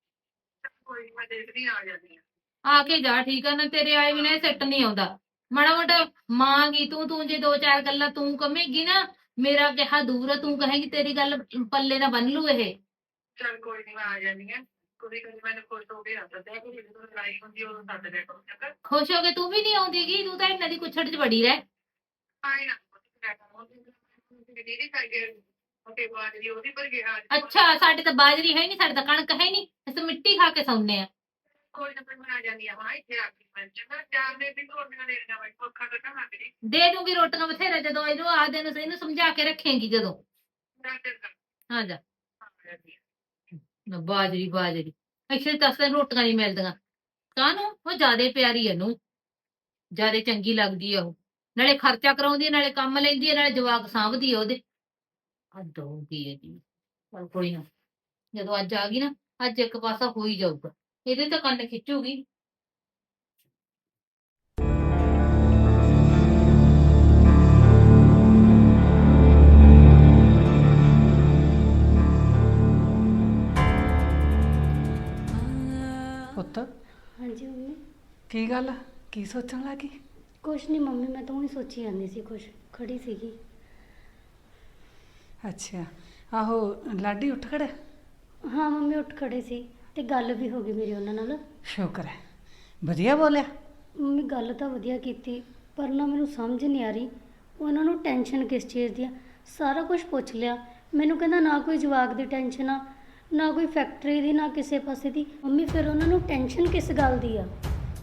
E: ਆ ਕੇ ਜਾ, ਠੀਕ ਆ ਨਾ? ਤੇਰੇ ਆਏ ਬਿਨਾਂ ਸੈੱਟ ਨਹੀਂ ਆਉਂਦਾ। ਮਾੜਾ ਮੋਟਾ ਮਾਂ ਗੀ ਤੂੰ, ਤੂੰ ਜੇ ਦੋ ਚਾਰ ਗੱਲਾਂ ਤੂੰ ਕਮੇਗੀ ਨਾ, ਮੇਰਾ ਕਿਹਾ ਦੂਰ ਆ, ਤੂੰ ਕਹੇਗੀ ਤੇਰੀ ਗੱਲ ਪੱਲੇ ਨਾ ਬੰਨ ਲੂ ਇਹ। ਖੁਸ਼ ਹੋ ਕੇ ਤੂੰ ਵੀ ਨਹੀਂ ਆਉਂਦੀਗੀ, ਤੂੰ ਤਾਂ ਇਹਨਾਂ ਦੀ ਕੁੱਛੜ ਚ ਵੜੀ ਰਹਿ। ਅੱਛਾ, ਸਾਡੇ ਤਾਂ ਬਾਜਰੀ ਹੈ ਨਹੀਂ, ਸਾਡੇ ਤਾਂ ਕਣਕ ਹੈ ਨਹੀਂ, ਅਸੀਂ ਤਾਂ ਮਿੱਟੀ ਖਾ ਕੇ ਸੌਂਦੇ ਆ। ਦੇ ਦੂੰਗੀ ਰੋਟੀਆਂ ਬਥੇਰਾ, ਜਦੋਂ ਇਹਨੂੰ ਆ ਦਿਨ ਇਹਨੂੰ ਸਮਝਾ ਕੇ ਰੱਖੇਂਗੀ ਜਦੋਂ। ਹਾਂ ਜਾ। ਬਾਜਰੀ ਬਾਜਰੀ, ਅੱਛਾ ਦਸ ਦਿਨ ਰੋਟੀਆਂ ਨਹੀਂ ਮਿਲਦੀਆਂ ਕਾਹਨੂੰ? ਉਹ ਜਿਆਦੇ ਪਿਆਰੀ ਇਹਨੂੰ, ਜਿਆਦੇ ਚੰਗੀ ਲੱਗਦੀ ਆ ਉਹ, ਨਾਲੇ ਖਰਚਾ ਕਰਾਉਂਦੀ ਹੈ, ਨਾਲੇ ਕੰਮ ਲੈਂਦੀ ਹੈ, ਨਾਲੇ ਜਵਾਕ ਸਾਂਭਦੀ ਆ ਉਹਦੇ। ਹੱਦ ਹੋ ਗਈ ਹੈ ਜੀ। ਪਰ ਕੋਈ ਨਾ, ਜਦੋਂ ਅੱਜ ਆ ਗਈ ਨਾ, ਅੱਜ ਇੱਕ ਪਾਸਾ ਹੋ ਹੀ ਜਾਊਗਾ, ਇਹਦੇ ਤਾਂ ਕੰਨ ਖਿੱਚੂਗੀ।
F: ਪੁੱਤ
C: ਹਾਂਜੀ ਮੰਮੀ।
F: ਕੀ ਗੱਲ, ਕੀ ਸੋਚਣ ਲੱਗੀ?
C: ਕੁਛ ਨਹੀਂ ਮੰਮੀ, ਮੈਂ ਤਾਂ ਉਹੀ ਸੋਚੀ ਜਾਂਦੀ ਸੀ, ਕੁਛ ਖੜੀ ਸੀਗੀ।
F: ਅੱਛਾ, ਆਹੋ ਲਾਡੀ ਉੱਠ ਖੜਿਆ?
C: ਹਾਂ ਮੰਮੀ, ਉੱਠ ਖੜੇ ਸੀ ਤੇ ਗੱਲ ਵੀ ਹੋ ਗਈ ਮੇਰੀ ਉਹਨਾਂ ਨਾਲ।
F: ਸ਼ੁਕਰ ਹੈ, ਵਧੀਆ ਬੋਲਿਆ।
C: ਮੰਮੀ ਗੱਲ ਤਾਂ ਵਧੀਆ ਕੀਤੀ, ਪਰ ਨਾ ਮੈਨੂੰ ਸਮਝ ਨਹੀਂ ਆ ਰਹੀ ਉਹਨਾਂ ਨੂੰ ਟੈਨਸ਼ਨ ਕਿਸ ਚੀਜ਼ ਦੀ ਆ। ਸਾਰਾ ਕੁਝ ਪੁੱਛ ਲਿਆ, ਮੈਨੂੰ ਕਹਿੰਦਾ ਨਾ ਕੋਈ ਜਵਾਕ ਦੀ ਟੈਨਸ਼ਨ ਆ, ਨਾ ਕੋਈ ਫੈਕਟਰੀ ਦੀ, ਨਾ ਕਿਸੇ ਪਾਸੇ ਦੀ। ਮੰਮੀ ਫਿਰ ਉਹਨਾਂ ਨੂੰ ਟੈਨਸ਼ਨ ਕਿਸ ਗੱਲ ਦੀ ਆ?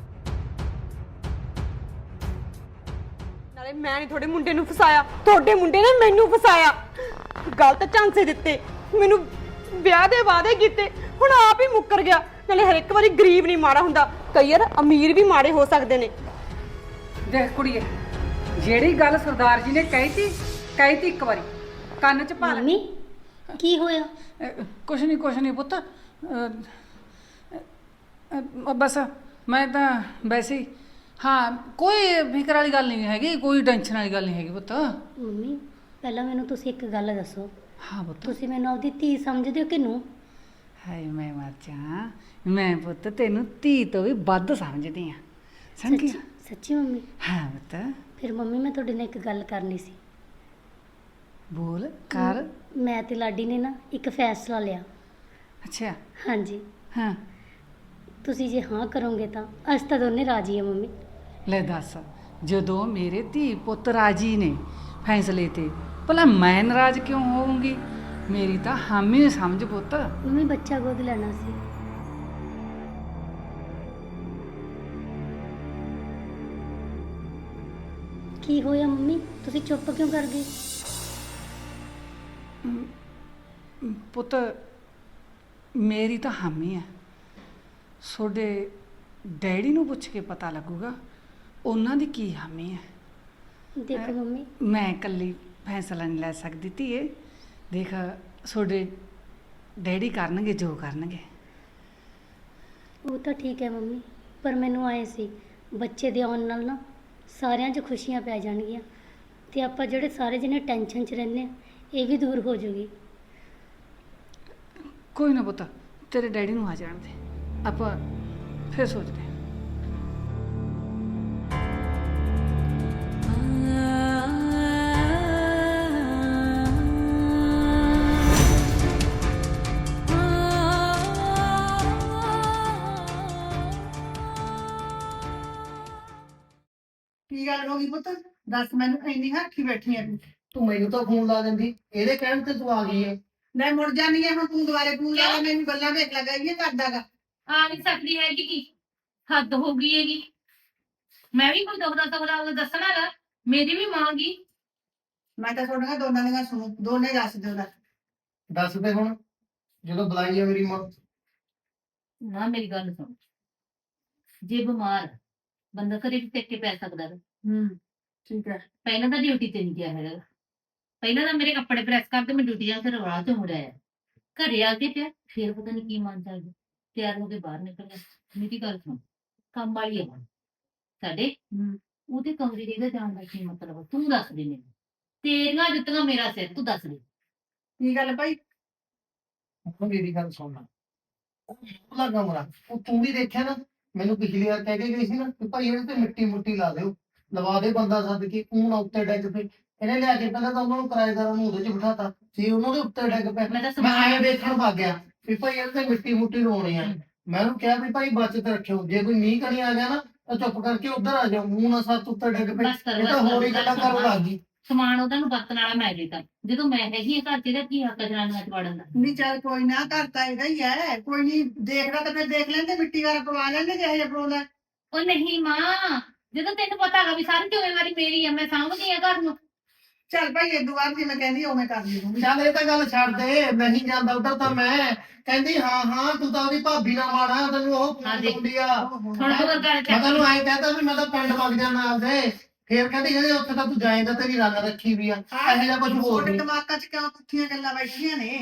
B: ਨਾਲੇ ਮੈਂ ਨਹੀਂ ਤੁਹਾਡੇ ਮੁੰਡੇ ਨੂੰ ਫਸਾਇਆ, ਤੁਹਾਡੇ ਮੁੰਡੇ ਨੇ ਮੈਨੂੰ ਫਸਾਇਆ। ਗਲਤ ਝਾਂਸੇ ਦਿੱਤੇ ਮੈਨੂੰ, ਵਿਆਹ ਦੇ ਵਾਅਦੇ ਕੀਤੇ, ਹੁਣ ਆਪ ਹੀ ਮੁੱਕਰ ਗਿਆ। ਨਾਲੇ ਹਰ ਇੱਕ ਵਾਰੀ ਗਰੀਬ ਨਹੀਂ ਮਾੜਾ ਹੁੰਦਾ, ਕਈ ਵਾਰ ਅਮੀਰ ਵੀ ਮਾੜੇ ਹੋ ਸਕਦੇ ਨੇ।
F: ਦੇਖ ਕੁੜੀਏ, ਜਿਹੜੀ ਗੱਲ ਸਰਦਾਰ ਜੀ ਨੇ ਕਹੀ ਤੀ ਕਹੀ ਤੀ ਇੱਕ ਵਾਰੀ ਕੰਨ 'ਚ ਪਾ ਲੈ।
C: ਮੰਮੀ ਕੀ ਹੋਇਆ?
F: ਅਹ, ਕੁਛ ਨਹੀਂ ਕੁਛ ਨਹੀਂ ਪੁੱਤ, ਅਹ, ਅਹ, ਬਸ ਮੈਂ ਤਾਂ ਵੈਸੇ ਹੀ, ਹਾਂ ਕੋਈ ਫਿਕਰ ਵਾਲੀ ਗੱਲ ਨਹੀਂ ਹੈਗੀ, ਕੋਈ ਟੈਨਸ਼ਨ ਵਾਲੀ ਗੱਲ ਨਹੀਂ ਹੈਗੀ ਪੁੱਤ।
C: ਮੰਮੀ ਪਹਿਲਾਂ ਮੈਨੂੰ ਤੁਸੀਂ ਇੱਕ ਗੱਲ ਦੱਸੋ,
F: ਹਾਂ ਪੁੱਤ।
C: ਤੁਸੀਂ ਮੈਨੂੰ ਆਪਦੀ ਧੀ ਸਮਝਦੇ ਹੋ ਕਿ ਨੂੰ?
F: ਹਾਏ ਮੈਂ ਮਰ ਜਾ, ਮੈਂ ਪੁੱਤ ਤੈਨੂੰ ਧੀ ਤੋਂ ਵੀ ਵੱਧ ਸਮਝਦੀ ਆ, ਸਮਝੀ?
C: ਸੱਚੀ ਸੱਚੀ ਮੰਮੀ?
F: ਹਾਂ ਪੁੱਤ।
C: ਫਿਰ ਮੰਮੀ ਮੈਂ ਤੁਹਾਡੇ ਨਾਲ ਇੱਕ ਗੱਲ ਕਰਨੀ ਸੀ।
F: ਬੋਲ ਕਰ।
C: ਮੈਂ ਤੇ ਲਾਡੀ ਨੇ ਨਾ ਇੱਕ ਫੈਸਲਾ ਲਿਆ।
F: ਅੱਛਾ।
C: ਹਾਂਜੀ,
F: ਹਾਂ
C: ਤੁਸੀਂ ਜੇ ਹਾਂ ਕਰੋਗੇ ਤਾਂ ਅਸੀਂ ਤਾਂ ਦੋਨੇ ਰਾਜੀ ਆ ਮੰਮੀ।
F: ਲੈ ਦੱਸ, ਜਦੋਂ ਮੇਰੇ ਧੀ ਪੁੱਤ ਰਾਜੀ ਨੇ ਫੈਸਲੇ ਤੇ, ਭਲਾ ਮੈਂ ਨਾਰਾਜ਼ ਕਿਉਂ ਹੋਵਾਂਗੀ? ਮੇਰੀ ਤਾਂ ਹਾਮੀ ਸਮਝ ਪੁੱਤ।
C: ਮੰਮੀ ਬੱਚਾ ਗੋਦ ਲੈਣਾ ਸੀ। ਕੀ ਹੋਇਆ ਮੰਮੀ, ਤੁਸੀਂ ਚੁੱਪ ਕਿਉਂ ਕਰ ਗਏ?
F: ਪੁੱਤ ਮੇਰੀ ਤਾਂ ਹਾਮੀ ਹੈ, ਤੁਹਾਡੇ ਡੈਡੀ ਨੂੰ ਪੁੱਛ ਕੇ ਪਤਾ ਲੱਗੂਗਾ ਉਹਨਾਂ ਦੀ ਕੀ ਹਾਮੀ ਹੈ।
C: ਦੇਖੋ ਮੰਮੀ,
F: ਮੈਂ ਇਕੱਲੀ ਫੈਸਲਾ ਨਹੀਂ ਲੈ ਸਕਦੀ ਧੀਏ। ਦੇਖ ਤੁਹਾਡੇ ਡੈਡੀ ਕਰਨਗੇ ਜੋ ਕਰਨਗੇ।
C: ਉਹ ਤਾਂ ਠੀਕ ਹੈ ਮੰਮੀ, ਪਰ ਮੈਨੂੰ ਆਏ ਸੀ ਬੱਚੇ ਦੇ ਆਉਣ ਨਾਲ ਨਾ ਸਾਰਿਆਂ 'ਚ ਖੁਸ਼ੀਆਂ ਪੈ ਜਾਣਗੀਆਂ ਤੇ ਆਪਾਂ ਜਿਹੜੇ ਸਾਰੇ ਜਿਹਨੇ ਟੈਨਸ਼ਨ 'ਚ ਰਹਿੰਦੇ ਆ ਇਹ ਵੀ ਦੂਰ ਹੋ ਜਾਊਗੀ।
F: ਕੋਈ ਨਾ ਪੁੱਤ, ਤੇਰੇ ਡੈਡੀ ਨੂੰ ਆ ਜਾਣ ਦੇ, ਆਪਾਂ ਫਿਰ ਸੋਚਦੇ ਹਾਂ।
G: ਕੀ ਗੱਲ ਹੋ ਗਈ ਪੁੱਤ? ਦੱਸ ਮੈਨੂੰ ਇੰਨੀ ਹੱਥੀ ਬੈਠੀ ਆ ਤੂੰ।
H: ਤੂੰ ਮੈਨੂੰ ਤਾਂ ਫੋਨ ਲਾ ਦਿੰਦੀ, ਇਹਦੇ ਕਹਿਣ ਤੇ ਤੂੰ ਆ ਗਈ ਹੈ।
G: ਮੈਂ ਮੁੜ ਜਾਨੀ ਆ ਹੁਣ, ਤੂੰ ਦੁਬਾਰੇ ਫੋਨ ਲਾ ਲੈ, ਮੈਨੂੰ ਗੱਲਾਂ ਵੇਖ ਲਗਾਈਏ ਕਰਦਾਗਾ।
E: ਆ ਨਹੀਂ ਸਕਦੀ ਹੈਗੀ ਕੀ ਹੱਦ ਹੋ ਗਈ ਹੈਗੀ। ਮੈਂ ਵੀ ਕੋਈ ਦੁਖਦਾ ਸੁਖਦਾ ਦੱਸਣਾ ਗਾ, ਮੇਰੀ ਵੀ ਮਾਂ ਗੀ।
G: ਮੈਂ ਤਾਂ ਤੁਹਾਡੀਆਂ ਦੋਨਾਂ ਦੀਆਂ ਸੁਣੂ, ਦੋਨੇ ਦੱਸ ਦਿਓ ਦਾ।
H: ਦੱਸ ਦੇ ਹੁਣ, ਜਦੋਂ ਬੁਲਾਈ ਆ ਮੇਰੀ ਮਾਂ।
E: ਨਾ ਮੇਰੀ ਗੱਲ ਸੁਣ, ਜੇ ਬਿਮਾਰ ਆ, ਬੰਦਾ ਘਰੇ ਵੀ ਟਿਕ ਕੇ ਪੈ ਸਕਦਾ ਵਾ।
G: ਹੂੰ ਠੀਕ ਹੈ।
E: ਪਹਿਲਾਂ ਤਾਂ ਡਿਊਟੀ ਤੇ ਨਹੀਂ ਗਿਆ ਹੈਗਾ, ਪਹਿਲਾਂ ਤਾਂ ਮੇਰੇ ਕੱਪੜੇ ਪ੍ਰੈਸ ਕਰਦੇ ਮੈਂ ਡਿਊਟੀ ਜਾ, ਫਿਰ ਰਾਹ ਤੋਂ ਮੁੜ ਆਇਆ, ਘਰੇ ਆ ਕੇ ਪਿਆ, ਫਿਰ ਪਤਾ ਨਹੀਂ ਕੀ ਮਨ ਚ ਆ ਗਿਆ, ਤਿਆਰ ਹੋ ਕੇ ਬਾਹਰ ਨਿਕਲ ਗਿਆ। ਮੇਰੀ ਗੱਲ ਸੁਣ, ਕੰਮ ਵਾਲੀ ਆ ਹੁਣ ਸਾਡੇ, ਉਹਦੇ ਕਮਰੇ ਦੇ ਜਾਣ ਦਾ ਕੀ ਮਤਲਬ ਆ? ਤੂੰ ਦੱਸ ਦੇ ਮੈਨੂੰ, ਤੇਰੀਆਂ ਜੁੱਤੀਆਂ ਮੇਰਾ ਸਿਰ, ਤੂੰ ਦੱਸ ਦੇ।
G: ਕੀ ਗੱਲ ਭਾਈ?
H: ਹੁਣ ਮੇਰੀ ਗੱਲ ਸੁਣ ਲੈ, ਉਹਦਾ ਕਮਰਾ ਉਹ ਤੂੰ ਵੀ ਦੇਖਿਆ ਨਾ, ਮੈਨੂੰ ਪਿਛਲੀ ਵਾਰ ਕਹਿ ਕੇ ਗਈ ਸੀ ਨਾ ਕਿ ਭਾਈ ਇਹਦੇ ਤੇ ਮਿੱਟੀ ਮੁੱਟੀ ਲਾ ਦਿਓ, ਲਵਾ ਦੇ ਬੰਦਾ ਸੱਦ ਕੇ, ਉਹ ਨਾ ਉੱਤੇ ਡਿੱਗ ਪਏ। ਇਹਨੇ ਲਿਆ ਕੇ ਪਹਿਲਾਂ ਤਾਂ ਉਹਨਾਂ ਨੂੰ ਕਿਰਾਏਦਾਰਾਂ ਨੂੰ ਉਹਦੇ ਚ ਬਿਠਾਤਾ, ਜੇ ਉਹਨਾਂ ਦੇ ਉੱਤੇ ਡਿੱਗ ਪਿਆ
E: ਮੈਂ ਤਾਂ
H: ਮੈਂ
E: ਸਮਾਨ
H: ਆਏ ਵੇਖਣ ਵਗ ਗਿਆ ਵੀ ਭਾਈ ਇਹਦੇ ਤੇ ਮਿੱਟੀ ਮੁੱਟੀ ਲਾਉਣੀ ਆ। ਮੈਂ ਉਹਨੂੰ ਕਿਹਾ ਵੀ ਭਾਈ ਬਚਤ ਰੱਖਿਓ, ਜੇ ਕੋਈ ਮੀਂਹ ਕਣੀ ਆ ਗਿਆ ਨਾ ਤਾਂ ਚੁੱਪ ਕਰਕੇ ਉੱਧਰ ਆ ਜਾਓ, ਮੂੰਹ ਨਾ ਸੱਤ ਉੱਤੇ ਡਿੱਗ ਪਏ।
E: ਬਸ ਕਰੋ,
H: ਇਹ ਤਾਂ
E: ਬਸ
H: ਹੋਰ ਹੀ
E: ਕਰੋ,
H: ਗੱਲਾਂ
E: ਬਸ
H: ਕਰਨ
E: ਕਰੋ।
H: ਲੱਗ ਗਈ।
E: ਸਮਾਨ ਉਹਦਾ ਨੂੰ ਵਰਤਣ ਵਾਲਾ ਮੈਂ ਦਿੱਤਾ, ਜਦੋਂ ਮੈਂ ਹੈਗੀ ਆ ਘਰ ਚ, ਇਹਦਾ ਕੀ ਹੱਕ ਜਨਾਨੀਆਂ ਚ ਵੜਨ ਦਾ?
G: ਨਹੀਂ ਚੱਲ ਕੋਈ ਨਾ, ਘਰ ਤਾਂ ਇਹਦਾ ਹੀ ਹੈ, ਕੋਈ ਨਹੀਂ ਦੇਖਦਾ ਤਾਂ ਫਿਰ ਦੇਖ ਲੈਂਦੇ, ਮਿੱਟੀ ਵਾਲਾ ਪਵਾ ਲੈਂਦੇ ਜਿਹੇ ਜਿਹਾ ਪਵਾਉਣਾ।
E: ਉਹ ਨਹੀਂ ਮਾਂ, ਜਦੋਂ ਤੈਨੂੰ ਪਤਾ ਹੈਗਾ ਵੀ ਸਾਰੀ ਜ਼ਿੰਮੇਵਾਰੀ ਮੇਰੀ ਆ, ਮੈਂ ਸਾਂਭਦੀ ਆ ਘਰ ਨੂੰ।
G: ਚੱਲ ਭਾਈ ਇਹ ਦੁਬਾਰ ਜਿਵੇਂ ਕਹਿੰਦੀ ਉਵੇਂ ਕਰ ਲਈ ਤੂੰ।
H: ਚੱਲ ਇਹ ਤਾਂ ਗੱਲ ਛੱਡ ਦੇ, ਨਹੀਂ ਜਾਂਦਾ ਉਧਰ ਤਾਂ ਮੈਂ ਕਹਿੰਦੀ ਹਾਂ ਹਾਂ ਤੂੰ ਤਾਂ ਉਹਦੀ ਭਾਬੀ ਨਾਲ ਮਾੜਾ, ਤੈਨੂੰ ਉਹ
E: ਹਾਂ
H: ਫੋਨ
E: ਜੀ।
H: ਲਾਉਂਦੀ ਆ।
E: ਹੁਣ ਹੋਰ ਗੱਲ
H: ਮੈਂ
E: ਚੱਕ,
H: ਤੈਨੂੰ ਐਂ ਕਹਤਾ ਵੀ ਮੈਂ ਤਾਂ ਪਿੰਡ ਵਗ ਜਾਣਾ ਆਪਦੇ, ਫੇਰ ਕਹਿੰਦੀ ਕਹਿੰਦੀ ਉੱਥੇ ਤਾਂ ਤੂੰ ਜਾਏਂਦਾ, ਤੇਰੀ ਰੰਗ ਰੱਖੀ ਵੀ ਆ, ਇਹੋ ਜਿਹਾ ਕੁਝ ਹੋਰ
G: ਤੁਹਾਡੇ
H: ਨਹੀਂ।
G: ਦਿਮਾਗਾਂ 'ਚ ਕਿਉਂ ਪੁੱਠੀਆਂ ਗੱਲਾਂ ਬੈਠੀਆਂ ਨੇ?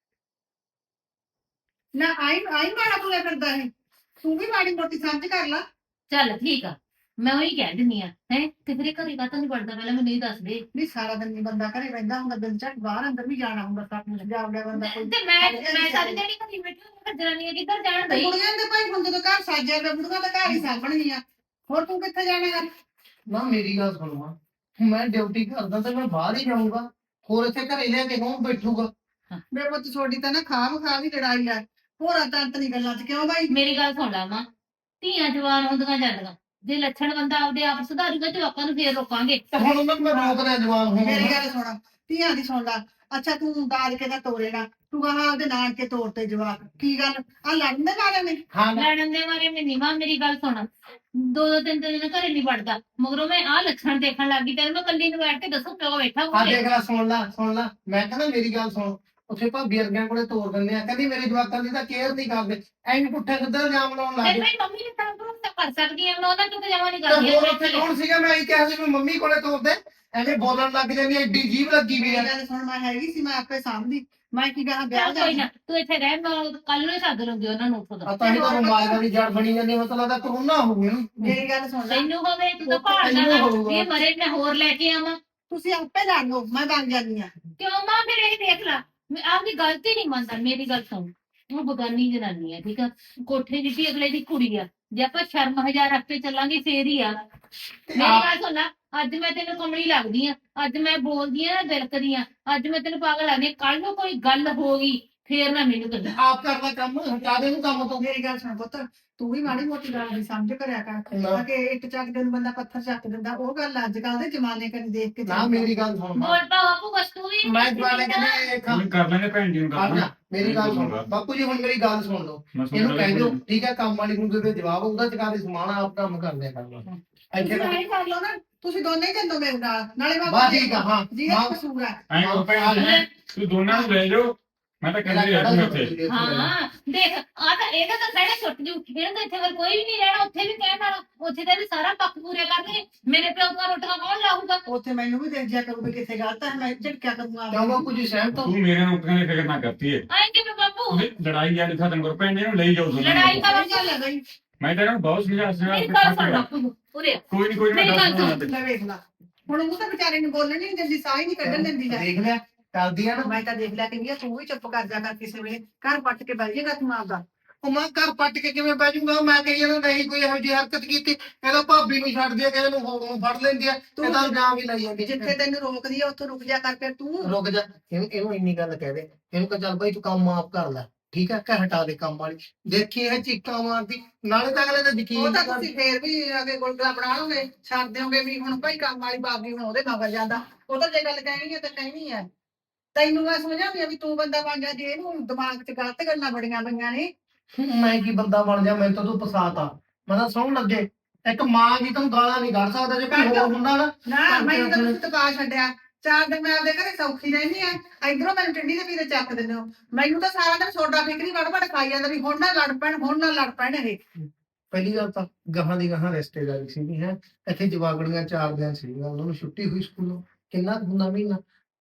G: ਨਾ ਆਈ ਆਈ ਮਾੜਾ ਤੁਰਿਆ ਫਿਰਦਾ ਹੈ, ਤੂੰ ਵੀ ਮਾੜੀ ਮੋਟੀ ਸਮਝ ਕਰ ਲਾ।
E: ਚੱਲ ਠੀਕ ਆ, ਮੈਂ ਉਹੀ ਕਹਿ ਦਿੰਨੀ ਆ ਹੈ, ਤੇ ਤੇਰੇ ਘਰੇ ਕਾਹਤੋਂ ਨਹੀਂ ਵੜਦਾ, ਪਹਿਲਾਂ ਮੈਨੂੰ ਇਹ ਦੱਸ ਦੇ।
G: ਨਹੀਂ ਸਾਰਾ ਦਿਨ ਨਹੀਂ ਬੰਦਾ ਘਰੇ ਰਹਿੰਦਾ ਹੁੰਦਾ, ਦਿਨ ਚ ਬਾਹਰ ਅੰਦਰ ਵੀ ਜਾਣਾ ਹੁੰਦਾ, ਸੱਤ ਨੂੰ ਜਾਵੜਾ ਬੰਦਾ ਕੋਈ।
E: ਤੇ ਮੈਂ ਮੈਂ ਸਾਰੀ ਦਿਹਾੜੀ ਘਰੇ ਬੈਠੀ ਹਾਂ, ਜਨਾਨੀਆਂ ਕਿੱਧਰ ਜਾਣ
G: ਤੇ
E: ਬਈ?
G: ਕੁੜੀਆਂ ਦੇ ਭਾਈ ਹੁਣ ਜਦੋਂ ਘਰ ਸਾਜਿਆ ਪਿਆ, ਬੁੜੀਆਂ ਤਾਂ ਘਰ ਹੀ ਸਾਂਭਣਗੀਆਂ, ਹੋਰ ਤੂੰ ਕਿੱਥੇ ਜਾਣੇਗਾ?
H: ਨਾ ਮੇਰੀ ਗੱਲ ਸੁਣਵਾ, ਮੈਂ ਡਿਊਟੀ ਕਰਦਾ ਤੇ ਮੈਂ ਬਾਹਰ ਹੀ ਜਾਊਂਗਾ, ਹੋਰ ਇੱਥੇ ਘਰੇ ਲਿਆ ਕੇ ਕੌਣ ਬੈਠੂਗਾ?
G: ਮੇਰੇ ਪੁੱਤ ਛੋਡੀ ਤਾਂ ਨਾ ਖਾਮ ਖਾ ਦੀ ਲੜਾਈ ਆ, ਹੋਰਾਂ ਤਾਂ ਅੰਤਨੀ ਗੱਲਾਂ 'ਚ ਕਿਉਂ ਬਾਈ?
E: ਮੇਰੀ ਗੱਲ ਸੁਣ ਲਾ ਮਾਂ, ਧੀਆਂ ਜਵਾਨ ਹੁੰਦੀਆਂ ਜਾਂਦੀਆਂ, ਜੇ ਲੱਛਣ ਬੰਦਾ ਆਪਦੇ ਆਪ ਸੁਧਾਰੂਗਾ ਤੇ ਆਪਾਂ ਨੂੰ ਫੇਰ ਰੋਕਾਂਗੇ।
H: ਤੇ ਹੁਣ ਉਹਨਾਂ ਨੂੰ ਮੈਂ ਰੋਕਦਾ ਜਵਾਨ ਹੋਣ
G: ਮੇਰੀ
H: ਨੂੰ।
G: ਗੱਲ ਸੁਣ, ਧੀਆਂ ਦੀ ਸੁਣ ਲਾ। ਅੱਛਾ ਤੂੰ ਦਾਜ ਕੇ ਤਾਂ ਤੋਰੇਗਾ, ਤੂੰ ਕਹਾ ਉਹਦੇ ਨਾਨਕੇ ਤੋਰ ਤੇ ਜਵਾਕ, ਕੀ ਗੱਲ ਆ ਲੜਨ ਦੇ ਮਾਰੇ ਨੇ?
H: ਹਾਂ ਨਾ,
E: ਲੜਨ ਦੇ ਮਾਰੇ ਮੈਂ ਨਹੀਂ ਮਾਂ, ਮੇਰੀ ਗੱਲ ਸੁਣ, ਦੋ ਦੋ ਤਿੰਨ ਤਿੰਨ ਦਿਨ ਘਰੇ ਨਹੀਂ ਵੜਦਾ, ਮਗਰੋਂ ਮੈਂ ਆਹ ਲੱਛਣ ਦੇਖਣ ਲੱਗ ਗਈ, ਤੇ ਮੈਂ ਕੱਲੀ ਨੂੰ ਬੈਠ ਕੇ ਦੱਸੋ ਪਿਓ ਬੈਠਾ
H: ਆ
E: ਹੋਵੇ।
H: ਦੇਖ ਲੈ, ਸੁਣ ਲੈ ਸੁਣ ਲੈ, ਮੈਂ ਕਹਿੰਦਾ ਮੇਰੀ ਗੱਲ ਸੁਣ, ਉੱਥੇ ਭਾਬੀ ਵਰਗਿਆਂ ਕੋਲੇ ਤੋਰ ਦਿੰਦੇ ਆ, ਕਹਿੰਦੀ ਮੇਰੇ ਜਵਾਕਾਂ ਦੀ ਤਾਂ ਕੇਅਰ ਨਹੀਂ ਕਰਦੇ, ਐਂ ਪੁੱਠੇ ਕਿੱਧਰ ਇਲਜ਼ਾਮ ਲਾਉਣ ਲੱਗ
E: ਫਿਰ
H: ਗਏ।
E: ਮੇਰੀ ਮੰਮੀ ਨੇ ਤਾਂ ਭਰੋਸਾ ਕਰ ਸਕਦੀ ਆ, ਮੈਂ ਉਹਨਾਂ ਤੋਂ ਤਾਂ ਜਮਾ ਨਹੀਂ
H: ਤੇ
E: ਕਰਦੀ।
H: ਹੋਰ ਉੱਥੇ ਕੌਣ ਸੀਗਾ? ਮੈਂ ਇਹ ਕਿਹਾ ਸੀ ਵੀ ਮੰਮੀ ਕੋਲੇ ਤੋਰਦੇ, ਐਵੇਂ ਬੋਲਣ ਲੱਗ ਜਾਂਦੀ ਐ, ਏਡੀ ਜੀਭ ਲੱਗੀ ਵੀ ਆ।
G: ਮੇਰੀ ਗੱਲ ਸੁਣ, ਮੈਂ ਹੈਗੀ ਸੀ, ਮੈਂ ਆਪੇ ਸਾਂਭਦੀ, ਮੈਂ ਕੀ ਕਹਾ ਵਿਆਹ
E: ਚੱਲ ਕੋਈ
G: ਜਾਣਾ।
E: ਨਾ, ਤੂੰ ਇੱਥੇ ਰਹਿ, ਮੈਂ ਕੱਲ ਨੂੰ ਹੀ ਸੱਦ ਲੂੰਗੀ ਉਹਨਾਂ ਨੂੰ ਉੱਥੋਂ ਦਾ।
H: ਆ ਤਾਂ ਹੀ ਤਾਂ ਬਿਮਾਰੀਆਂ ਦੀ ਜੜ ਬਣੀ ਜਾਂਦੀ, ਮਤਲਬ ਲੱਗਦਾ ਕਰੋਨਾ ਹੋਊ ਇਹਨੂੰ।
G: ਮੇਰੀ ਗੱਲ ਸੁਣ ਲੈ,
E: ਤੈਨੂੰ ਹੋਵੇ, ਤੂੰ ਤਾਂ
H: ਤੈਨੂੰ
E: ਭਾਲਦਾ
H: ਹੋਊਗਾ।
E: ਇਹ ਮਰੇ ਮੈਂ ਹੋਰ ਲੈ ਕੇ ਆਵਾਂ।
G: ਤੁਸੀਂ ਆਪੇ ਲੜ ਲਓ, ਮੈਂ ਬਣ ਜਾਂਦੀ ਆ।
E: ਕਿਉਂ ਮਾਂ, ਫਿਰ ਇਹ ਦੇਖ ਲਾ, ਮੈਂ ਆਪਦੀ ਗਲਤੀ ਨਹੀਂ ਮੰਨਦਾ। ਮੇਰੀ ਗੱਲ ਸੁਣ, ਉਹ ਬਗਾਨੀ ਜਨਾਨੀ ਆ, ਠੀਕ ਆ, ਕੋਠੇ ਦੀ ਵੀ ਅਗਲੇ ਦੀ ਕੁੜੀ ਆ, ਜੇ ਆਪਾਂ ਸ਼ਰਮ ਹਜ਼ਾਰ ਰੱਖ ਕੇ ਚੱਲਾਂਗੇ ਫੇਰ ਹੀ ਆ। ਮੇਰੀ ਗੱਲ ਸੁਣ ਲੈ, ਅੱਜ ਮੈਂ ਤੈਨੂੰ ਕਮਲੀ ਲੱਗਦੀ ਆ, ਅੱਜ ਮੈਂ ਬੋਲਦੀ ਆ ਨਾ ਦਿਲਕਦੀ ਆ, ਅੱਜ ਮੈਂ ਤੈਨੂੰ ਪਾਗਲ ਲੱਗਦੀ, ਕੱਲ ਨੂੰ ਕੋਈ ਗੱਲ ਹੋ ਗਈ ਫੇਰ ਨਾ ਮੈਨੂੰ ਕਹਿੰਦਾ।
H: ਆਪ ਕਰਦਾ ਕੰਮ, ਹਟਾ ਦੇ ਨੂੰ ਕੰਮ ਤੋਂ।
G: ਮੇਰੀ ਗੱਲ ਸੁਣ ਪੁੱਤ, ਤੂੰ ਵੀ ਮਾੜੀ ਮੋਟੀ ਗੱਲ ਦੀ ਸਮਝ ਕਰਿਆ ਕਰ,
H: ਨਾ।
G: ਕਿ ਇੱਟ ਚੱਕਦੇ ਨੂੰ ਬੰਦਾ ਪੱਥਰ ਚੱਕ ਦਿੰਦਾ, ਉਹ ਗੱਲ ਅੱਜ ਕੱਲ ਦੇ ਜ਼ਮਾਨੇ ਕਨੀ ਦੇਖ ਕੇ
H: ਨਾ ਮੇਰੀ ਗੱਲ ਸੁਣ ਮਾਂ।
E: ਬੋਲ ਪਾ ਬਾਪੂ, ਬਸ ਤੂੰ ਵੀ
H: ਮੈਂ ਜਵਾਲੇ ਕਹਿੰਦੇ
I: ਹੁਣ ਕਰ ਲੈਣੇ ਭੈਣ ਜੀ ਨੂੰ
H: ਆ
I: ਗੱਲ।
H: ਜਾ, ਮੇਰੀ ਗੱਲ ਸੁਣ ਬਾਪੂ ਜੀ, ਹੁਣ ਮੇਰੀ ਗੱਲ ਸੁਣ ਲਓ,
I: ਮੈਂ ਸੁਣ
H: ਇਹਨੂੰ ਕਹਿ ਦਿਓ
I: ਰਿਹਾ
H: ਠੀਕ ਹੈ, ਕੰਮ ਵਾਲੀ ਨੂੰ ਦੇ ਜਵਾਬ ਉਹਦਾ ਚਕਾ ਦੇ, ਸਮਾਨ ਆਪ ਕੰਮ ਕਰ ਲਿਆ ਕਰਨਾ। ਇੱਥੇ
G: ਤੁਸੀਂ
H: ਤਾਂ
G: ਐਂ ਕਰ ਲਓ ਨਾ, ਤੁਸੀਂ ਦੋਨੇ ਹੀ ਚੱਲੋ ਮੇਰੇ ਨਾਲ, ਨਾਲੇ ਮੈਂ
H: ਬਸ ਠੀਕ ਆ, ਹਾਂ
G: ਜੀ ਇਹ
H: ਹਾਂ।
G: ਕਸੂਰ ਆ।
I: ਐਂ ਕਹੋ ਭੈਣ ਜੀ, ਤੂੰ ਦੋਨਾਂ ਨੂੰ ਲੈ ਜਾਓ, ਮੈਂ ਤਾਂ ਕਹਿੰਦੀ ਆ ਇੱਥੇ।
E: ਹਾਂ ਦੇਖ, ਆ ਤਾਂ ਇਹਦਾ ਤਾਂ ਕਹਿਣਾ ਛੁੱਟ ਜੂ, ਇਹਨਾਂ ਦਾ ਇੱਥੇ ਫਿਰ ਕੋਈ ਵੀ ਨਹੀਂ ਰਹਿਣਾ, ਉੱਥੇ ਵੀ ਕਹਿਣ ਵਾਲਾ, ਉੱਥੇ ਤਾਂ ਇਹਦੇ ਸਾਰਾ ਪੱਕ ਪੂਰੇ ਕਰਨਗੇ, ਮੇਰੇ ਪਿਓ ਦੀਆਂ ਰੋਟੀਆਂ ਕੌਣ ਲਾਊਗਾ?
G: ਉੱਥੇ ਮੈਨੂੰ ਵੀ ਦੇਖ ਜਿਆ ਕਰੂਗੀ ਕਿੱਥੇ ਗਲਤ ਹੈ, ਮੈਂ ਝਟਕਿਆ ਕਰੂੰਗਾ।
H: ਕਿਉਂ ਬਾਪੂ ਜੀ ਸਹਿਮਤ ਹੋ?
I: ਤੂੰ ਮੇਰੇ ਨਾਲ ਉੱਠਣ ਦੀ ਫਿਕਰ ਨਾ ਕਰਤੀ ਏ,
E: ਐਂ ਕਿਵੇਂ ਬਾਪੂ?
I: ਤੁਸੀਂ ਲੜਾਈ ਜਾਣੀ ਖਤਮ ਕਰੋ, ਭੈਣ ਜੀ ਨੂੰ ਲਈ ਜਾਓ ਦੋਨਾਂ
E: ਲੜਾਈ
I: ਨੂੰ।
E: ਤਾਂ
G: ਕੀ ਗੱਲ ਹੈ ਬਈ?
I: ਮੈਂ ਤਾਂ ਇਹਨਾਂ ਨੂੰ ਬਹੁਤ ਸਮਝਾ ਸਮਝਾ
E: ਮੇਰੀ
I: ਕੇ
E: ਗੱਲ
I: ਥੱਕ
E: ਸੁਣ
I: ਗਿਆ।
E: ਬਾਪੂ, ਉਰੇ ਆ।
I: ਕੋਈ ਨਹੀਂ ਕੋਈ ਨਹੀਂ,
E: ਮੇਰੀ
I: ਮੈਂ
E: ਗੱਲ
I: ਦੱਸ
E: ਸੁਣ।
I: ਦੂੰਗਾ।
G: ਲੈ ਵੇਖ ਲਾ, ਹੁਣ ਉਹ ਤਾਂ ਵਿਚਾਰੇ ਨੂੰ ਬੋਲਣ ਨਹੀਂ ਦਿੰਦੀ, ਸਾਹ ਹੀ ਨਹੀਂ ਕੱਢਣ ਦਿੰਦੀ ਹੈ।
H: ਦੇਖ ਲਿਆ, ਕਰਦੀ ਆ ਨਾ।
G: ਮੈਂ ਤਾਂ ਦੇਖ ਲਿਆ, ਕਹਿੰਦੀ ਆ ਤੂੰ ਵੀ ਚੁੱਪ ਕਰ ਜਾ ਕਰ, ਕਿਸੇ ਵੇਲੇ ਘਰ ਪੱਟ ਕੇ ਬਹਿ ਜਾਏਗਾ ਤੂੰ ਆਪਦਾ।
H: ਉਹ ਮੈਂ ਘਰ ਪੱਟ ਕੇ ਕਿਵੇਂ ਬਹਿ ਜਾਊਂਗਾ ਮੈਂ ਕਹੀ ਜਾਂਦਾ ਨਹੀਂ ਕੋਈ ਇਹੋ ਜਿਹੀ ਹਰਕਤ ਕੀਤੀ ਇਹਦਾ ਭਾਬੀ ਨੂੰ ਛੱਡਦੀ ਆ ਕਿਸੇ ਨੂੰ ਹੋਰ ਨੂੰ ਫੜ ਲੈਂਦੀ ਆ ਇਹ ਤਾਂ ਇਲਜ਼ਾਮ ਵੀ ਲਾਈ ਜਾਂਦੀ
G: ਜਿੱਥੇ ਤੈਨੂੰ ਰੋਕਦੀ ਆ ਉੱਥੋਂ ਰੁਕ ਜਾ ਕਰ ਫਿਰ ਤੂੰ
H: ਰੁਕ ਜਾ ਇਹਨੂੰ ਇਹਨੂੰ ਇੰਨੀ ਗੱਲ ਕਹਿ ਦੇ ਇਹਨੂੰ ਕਹ ਚੱਲ ਬਾਈ ਤੂੰ ਕੰਮ ਆਪ ਕਰ ਲੈ ਠੀਕ ਹੈ ਕਹਿ ਹਟਾ ਦੇ ਕੰਮ ਵਾਲੀ ਦੇਖੀ ਇਹ ਚੀਕਾਂ ਮਾਰਦੀ ਨਾਲੇ ਤਾਂ ਅਗਲੇ ਦਾ ਯਕੀਨ
G: ਉਹ ਤਾਂ
H: ਨਹੀਂ
G: ਤੁਸੀਂ ਫੇਰ ਵੀ ਅੱਗੇ ਗੁਲਗੁਲਾ ਬਣਾ ਲਓਗੇ ਛੱਡ ਦਿਓਗੇ ਵੀ ਹੁਣ ਭਾਈ ਕੰਮ ਵਾਲੀ ਬਾਗੀ ਹੁਣ ਉਹਦੇ ਮਗਰ ਜਾਂਦਾ ਉਹ ਤਾਂ ਜੇ ਗੱਲ ਕਹਿਣੀ ਹੈ ਤਾਂ ਕਹਿਣੀ ਹੈ ਤੈਨੂੰ ਮੈਂ ਸਮਝਾਉਂਦੀ ਆ ਵੀ ਤੂੰ ਬੰਦਾ ਬਣ ਜਾ ਜੇ ਇਹਨੂੰ ਦਿਮਾਗ 'ਚ ਗਲਤ ਗੱਲਾਂ ਬੜੀਆਂ ਪਈਆਂ ਨੇ
H: ਮੈਂ ਕੀ ਬੰਦਾ ਬਣ ਜਾ ਮੈਨੂੰ ਤਾਂ ਤੂੰ ਫਸਾਤਾ ਮੈਂ ਤਾਂ ਸੌਣ ਲੱਗੇ ਇੱਕ ਮਾਂ ਜੀ ਤੈਨੂੰ ਗਾਲਾਂ ਨਹੀਂ ਕੱਢ ਸਕਦਾ ਜੇ ਕੋਈ ਹੋਰ ਹੁੰਦਾ ਨਾ
G: ਨਾ ਮੈਨੂੰ ਤਾਂ ਤੁਸੀਂ ਤਕਾ ਛੱਡਿਆ ਚਾਰ ਦਿਨ ਮੈਂ ਆਪਦੇ ਘਰੇ ਸੌਖੀ ਰਹਿੰਦੀ ਆ ਇਧਰੋਂ ਮੈਨੂੰ ਟਿੰਡੀ ਦੇ ਵੀਰੇ ਚੱਕ ਦਿੰਦੇ ਹੋ ਮੈਨੂੰ ਤਾਂ ਸਾਰਾ ਦਿਨ ਸੋਡਾ ਫਿਕਰੀ ਵੜ ਵੜ ਖਾਈ ਜਾਂਦਾ ਵੀ ਹੁਣ ਨਾ ਲੜ ਪੈਣ ਹੁਣ ਨਾ ਲੜ ਪੈਣ ਇਹ
H: ਪਹਿਲੀ ਗੱਲ ਤਾਂ ਗਾਹਾਂ ਦੀ ਗਾਹਾਂ ਰਿਸ਼ਤੇਦਾਰੀ ਸੀਗੀ ਹੈ ਇੱਥੇ ਜਵਾਗੜੀਆਂ ਚਾਰ ਦਿਨ ਸੀਗੀਆਂ ਉਹਨਾਂ ਨੂੰ ਛੁੱਟੀ ਹੋਈ ਸਕੂਲੋਂ ਕਿੰਨਾ ਕੁ ਹੁੰਦਾ ਮਹੀਨਾ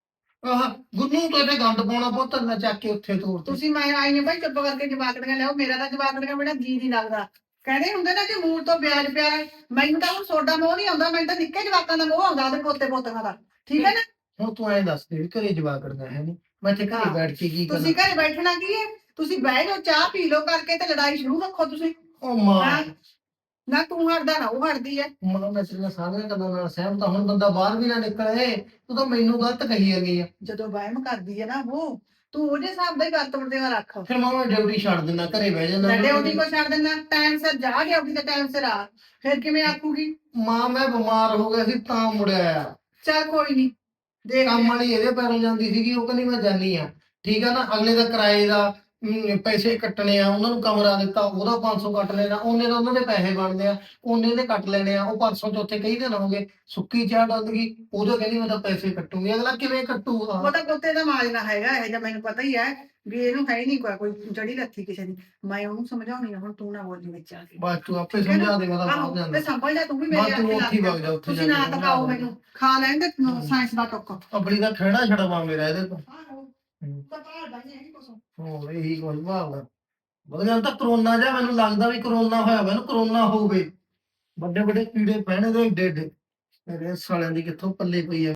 H: ਆਹ ਗੁੰਨੂ ਤੋਂ ਤੇ ਗੰਦ ਪਾਉਣਾ ਪੁੱਤ ਨਾ ਚੱਕ ਕੇ ਉੱਥੇ ਤੋਰ
G: ਤੁਸੀਂ ਮੈਂ ਆਈ ਨੇ ਭਾਈ ਚੁੱਪ ਕਰਕੇ ਜਵਾਕੜੀਆਂ ਲਿਆਓ ਮੇਰਾ ਤਾਂ ਜਵਾਕੜੀਆਂ ਮੇਰਾ ਜੀ ਨਹੀਂ ਲੱਗਦਾ ਕਹਿੰਦੇ ਹੁੰਦੇ ਨਾ ਕਿ ਮੂਲ ਤੋਂ ਵਿਆਜ ਪਿਆ ਹੈ। ਮੈਨੂੰ ਤਾਂ ਹੁਣ ਸੋਡਾ ਮੋਹ ਨਹੀਂ ਆਉਂਦਾ ਮੈਨੂੰ ਤਾਂ ਨਿੱਕੇ ਜਵਾਕਾਂ ਦਾ ਮੋਹ ਆਉਂਦਾ ਉਹਦੇ ਪੋਤੇ ਪੋਤਿਆਂ ਦਾ ਠੀਕ ਹੈ ਨਾ
H: ਹੁਣ ਤੂੰ ਐਂ ਦੱਸ ਦੇ ਵੀ ਘਰੇ ਜਵਾਗੜੀਆਂ ਹੈ ਨਹੀਂ ਮੈਂ ਇੱਥੇ ਘਰੇ ਬੈਠ ਕੇ ਕੀ
G: ਤੁਸੀਂ
H: ਕਰਨਾ
G: ਘਰੇ ਬੈਠਣਾ ਕੀ ਹੈ ਤੁਸੀਂ ਬਹਿ ਜਾਓ ਚਾਹ ਪੀ ਲਓ ਕਰਕੇ ਤੇ ਲੜਾਈ ਸ਼ੁਰੂ ਰੱਖੋ ਤੁਸੀਂ
H: ਉਹ ਮਾਂ
G: ਹੈਂ? ਨਾ ਤੂੰ ਹਟਦਾ ਨਾ ਉਹ ਹਟਦੀ ਹੈ
H: ਮਾਂ ਮੈਂ ਤੇਰੀਆਂ ਸਾਰੀਆਂ ਗੱਲਾਂ ਨਾਲ ਸਹਿਮਤ ਹਾਂ ਹੁਣ ਬੰਦਾ ਬਾਹਰ ਵੀ ਨਾ ਨਿਕਲੇ ਤੂੰ ਤਾਂ ਮੈਨੂੰ ਗਲਤ ਕਹੀ ਜਾਂਦੀ ਆ
G: ਜਦੋਂ ਵਹਿਮ ਕਰਦੀ ਹੈ ਨਾ ਉਹ ਤੂੰ ਉਹਦੇ ਹਿਸਾਬ ਦਾ ਹੀ ਵਰਤਣ ਦੇ ਰੱਖ
H: ਫਿਰ ਮਾਂ ਮੈਂ ਡਿਊਟੀ ਛੱਡ ਦਿੰਦਾ ਘਰੇ ਬਹਿ ਜਾਂਦਾ
G: ਨੱਡੇ ਉਹਦੀ ਕੋ ਛੱਡ ਦਿੰਦਾ ਟਾਈਮ ਸਿਰ ਜਾ ਗਿਆ ਉਹਦੀ ਤੇ ਟਾਈਮ ਸਿਰ ਆ ਫਿਰ ਕਿਵੇਂ ਆਖੂਗੀ
H: ਮਾਂ ਮੈਂ ਬਿਮਾਰ ਹੋ ਗਿਆ ਸੀ ਤਾਂ ਮੁੜਿਆ ਆ
G: ਚੱਲ ਕੋਈ ਨਹੀਂ ਦੇਖ
H: ਕੰਮ ਵਾਲੀ ਇਹਦੇ ਪੈਰੋਂ ਜਾਂਦੀ ਸੀਗੀ ਉਹ ਕਹਿੰਦੀ ਮੈਂ ਜਾਨੀ ਆ ਠੀਕ ਆ ਨਾ ਅਗਲੇ ਦਾ ਕਿਰਾਏ ਦਾ ਅਮ, ਪੈਸੇ ਕੱਟਣੇ ਆ ਉਹਨਾਂ ਨੂੰ ਕਮਰਾ ਦਿੱਤਾ ਉਹਦਾ ਪੰਜ ਸੌ ਕੱਟ ਲੈਣਾ ਉਹਨੇ ਦਾ ਉਹਨਾਂ ਦੇ ਪੈਸੇ ਬਣਦੇ ਆ ਉਹਨੇ ਦੇ ਕੱਟ ਲੈਣੇ ਆ ਉਹ ਪਰਸੋਂ ਚੌਥੇ ਕਈ ਦਿਨ ਹੋ ਗਏ ਸੁੱਕੀ ਚਾਹ ਡੁੱਲ ਗਈ ਉਦੋਂ ਕਹਿੰਦੀ ਮੈਂ ਤਾਂ ਪੈਸੇ ਕੱਟੂਗੀ ਅਗਲਾ ਕਿਵੇਂ ਕੱਟੂਗਾ
G: ਉਹ ਤਾਂ ਕੁੱਤੇ ਦਾ ਮਾਜਨਾ ਹੈਗਾ ਇਹ ਜਾਂ ਮੈਨੂੰ ਪਤਾ ਹੀ ਹੈ ਵੀ ਇਹਨੂੰ ਹੈ ਨਹੀਂ ਕੋਈ ਕੋਈ ਜੜੀ ਲੱਥੀ ਕਿਸੇ ਦੀ ਮੈਂ ਉਹਨੂੰ ਸਮਝਾਉਣੀ ਆ ਹੁਣ ਤੂੰ ਨਾ ਬੋਲੀ ਵਿੱਚ ਆ ਕੇ
H: ਬਸ ਤੂੰ ਆਪੇ ਸਮਝਾ ਦੇ ਮੈਂ ਤਾਂ
G: ਆਹੋ,
H: ਬਾਹਰ
G: ਤੇ
H: ਜਾਂਦਾ
G: ਸੰਭਲ ਜਾ ਤੂੰ ਵੀ
H: ਬਸ
G: ਮੇਰੇ
H: ਤੂੰ ਉੱਥੇ ਹੀ
G: ਲੱਗ
H: ਵਗ ਜਾ ਉੱਥੇ
G: ਤੁਸੀਂ ਨਾ ਤਕਾਓ ਮੈਨੂੰ ਖਾ ਲੈਣ ਦੇ ਸਾਇੰਸ ਦਾ ਟੁੱਕ
H: ਆਪਣੀ ਦਾ ਖੜਾ ਛੜਵਾ ਮੇਰਾ ਇਹਦੇ ਤੋਂ
G: ਆਹੋ
H: ਹੂੰ।
G: ਤਾਂ ਬਾਹਰ ਦਾ ਨਹੀਂ ਕੁਛ
H: ਹੋਰ ਇਹੀ ਕੁਝ ਭਾਲਦਾ ਬਦਲ ਤਾਂ ਕਰੋਨਾ ਜਾਂ ਮੈਨੂੰ ਲੱਗਦਾ ਵੀ ਕਰੋਨਾ ਹੋਇਆ ਮੈਨੂੰ ਕਰੋਨਾ ਹੋਵੇ ਵੱਡੇ ਵੱਡੇ ਕੀੜੇ ਪੈਣੇ ਦੇ ਏਡੇ ਏਡੇ ਮੇਰੇ ਸਾਲਿਆਂ ਦੀ ਕਿੱਥੋਂ ਪੱਲੇ ਪਈ ਆ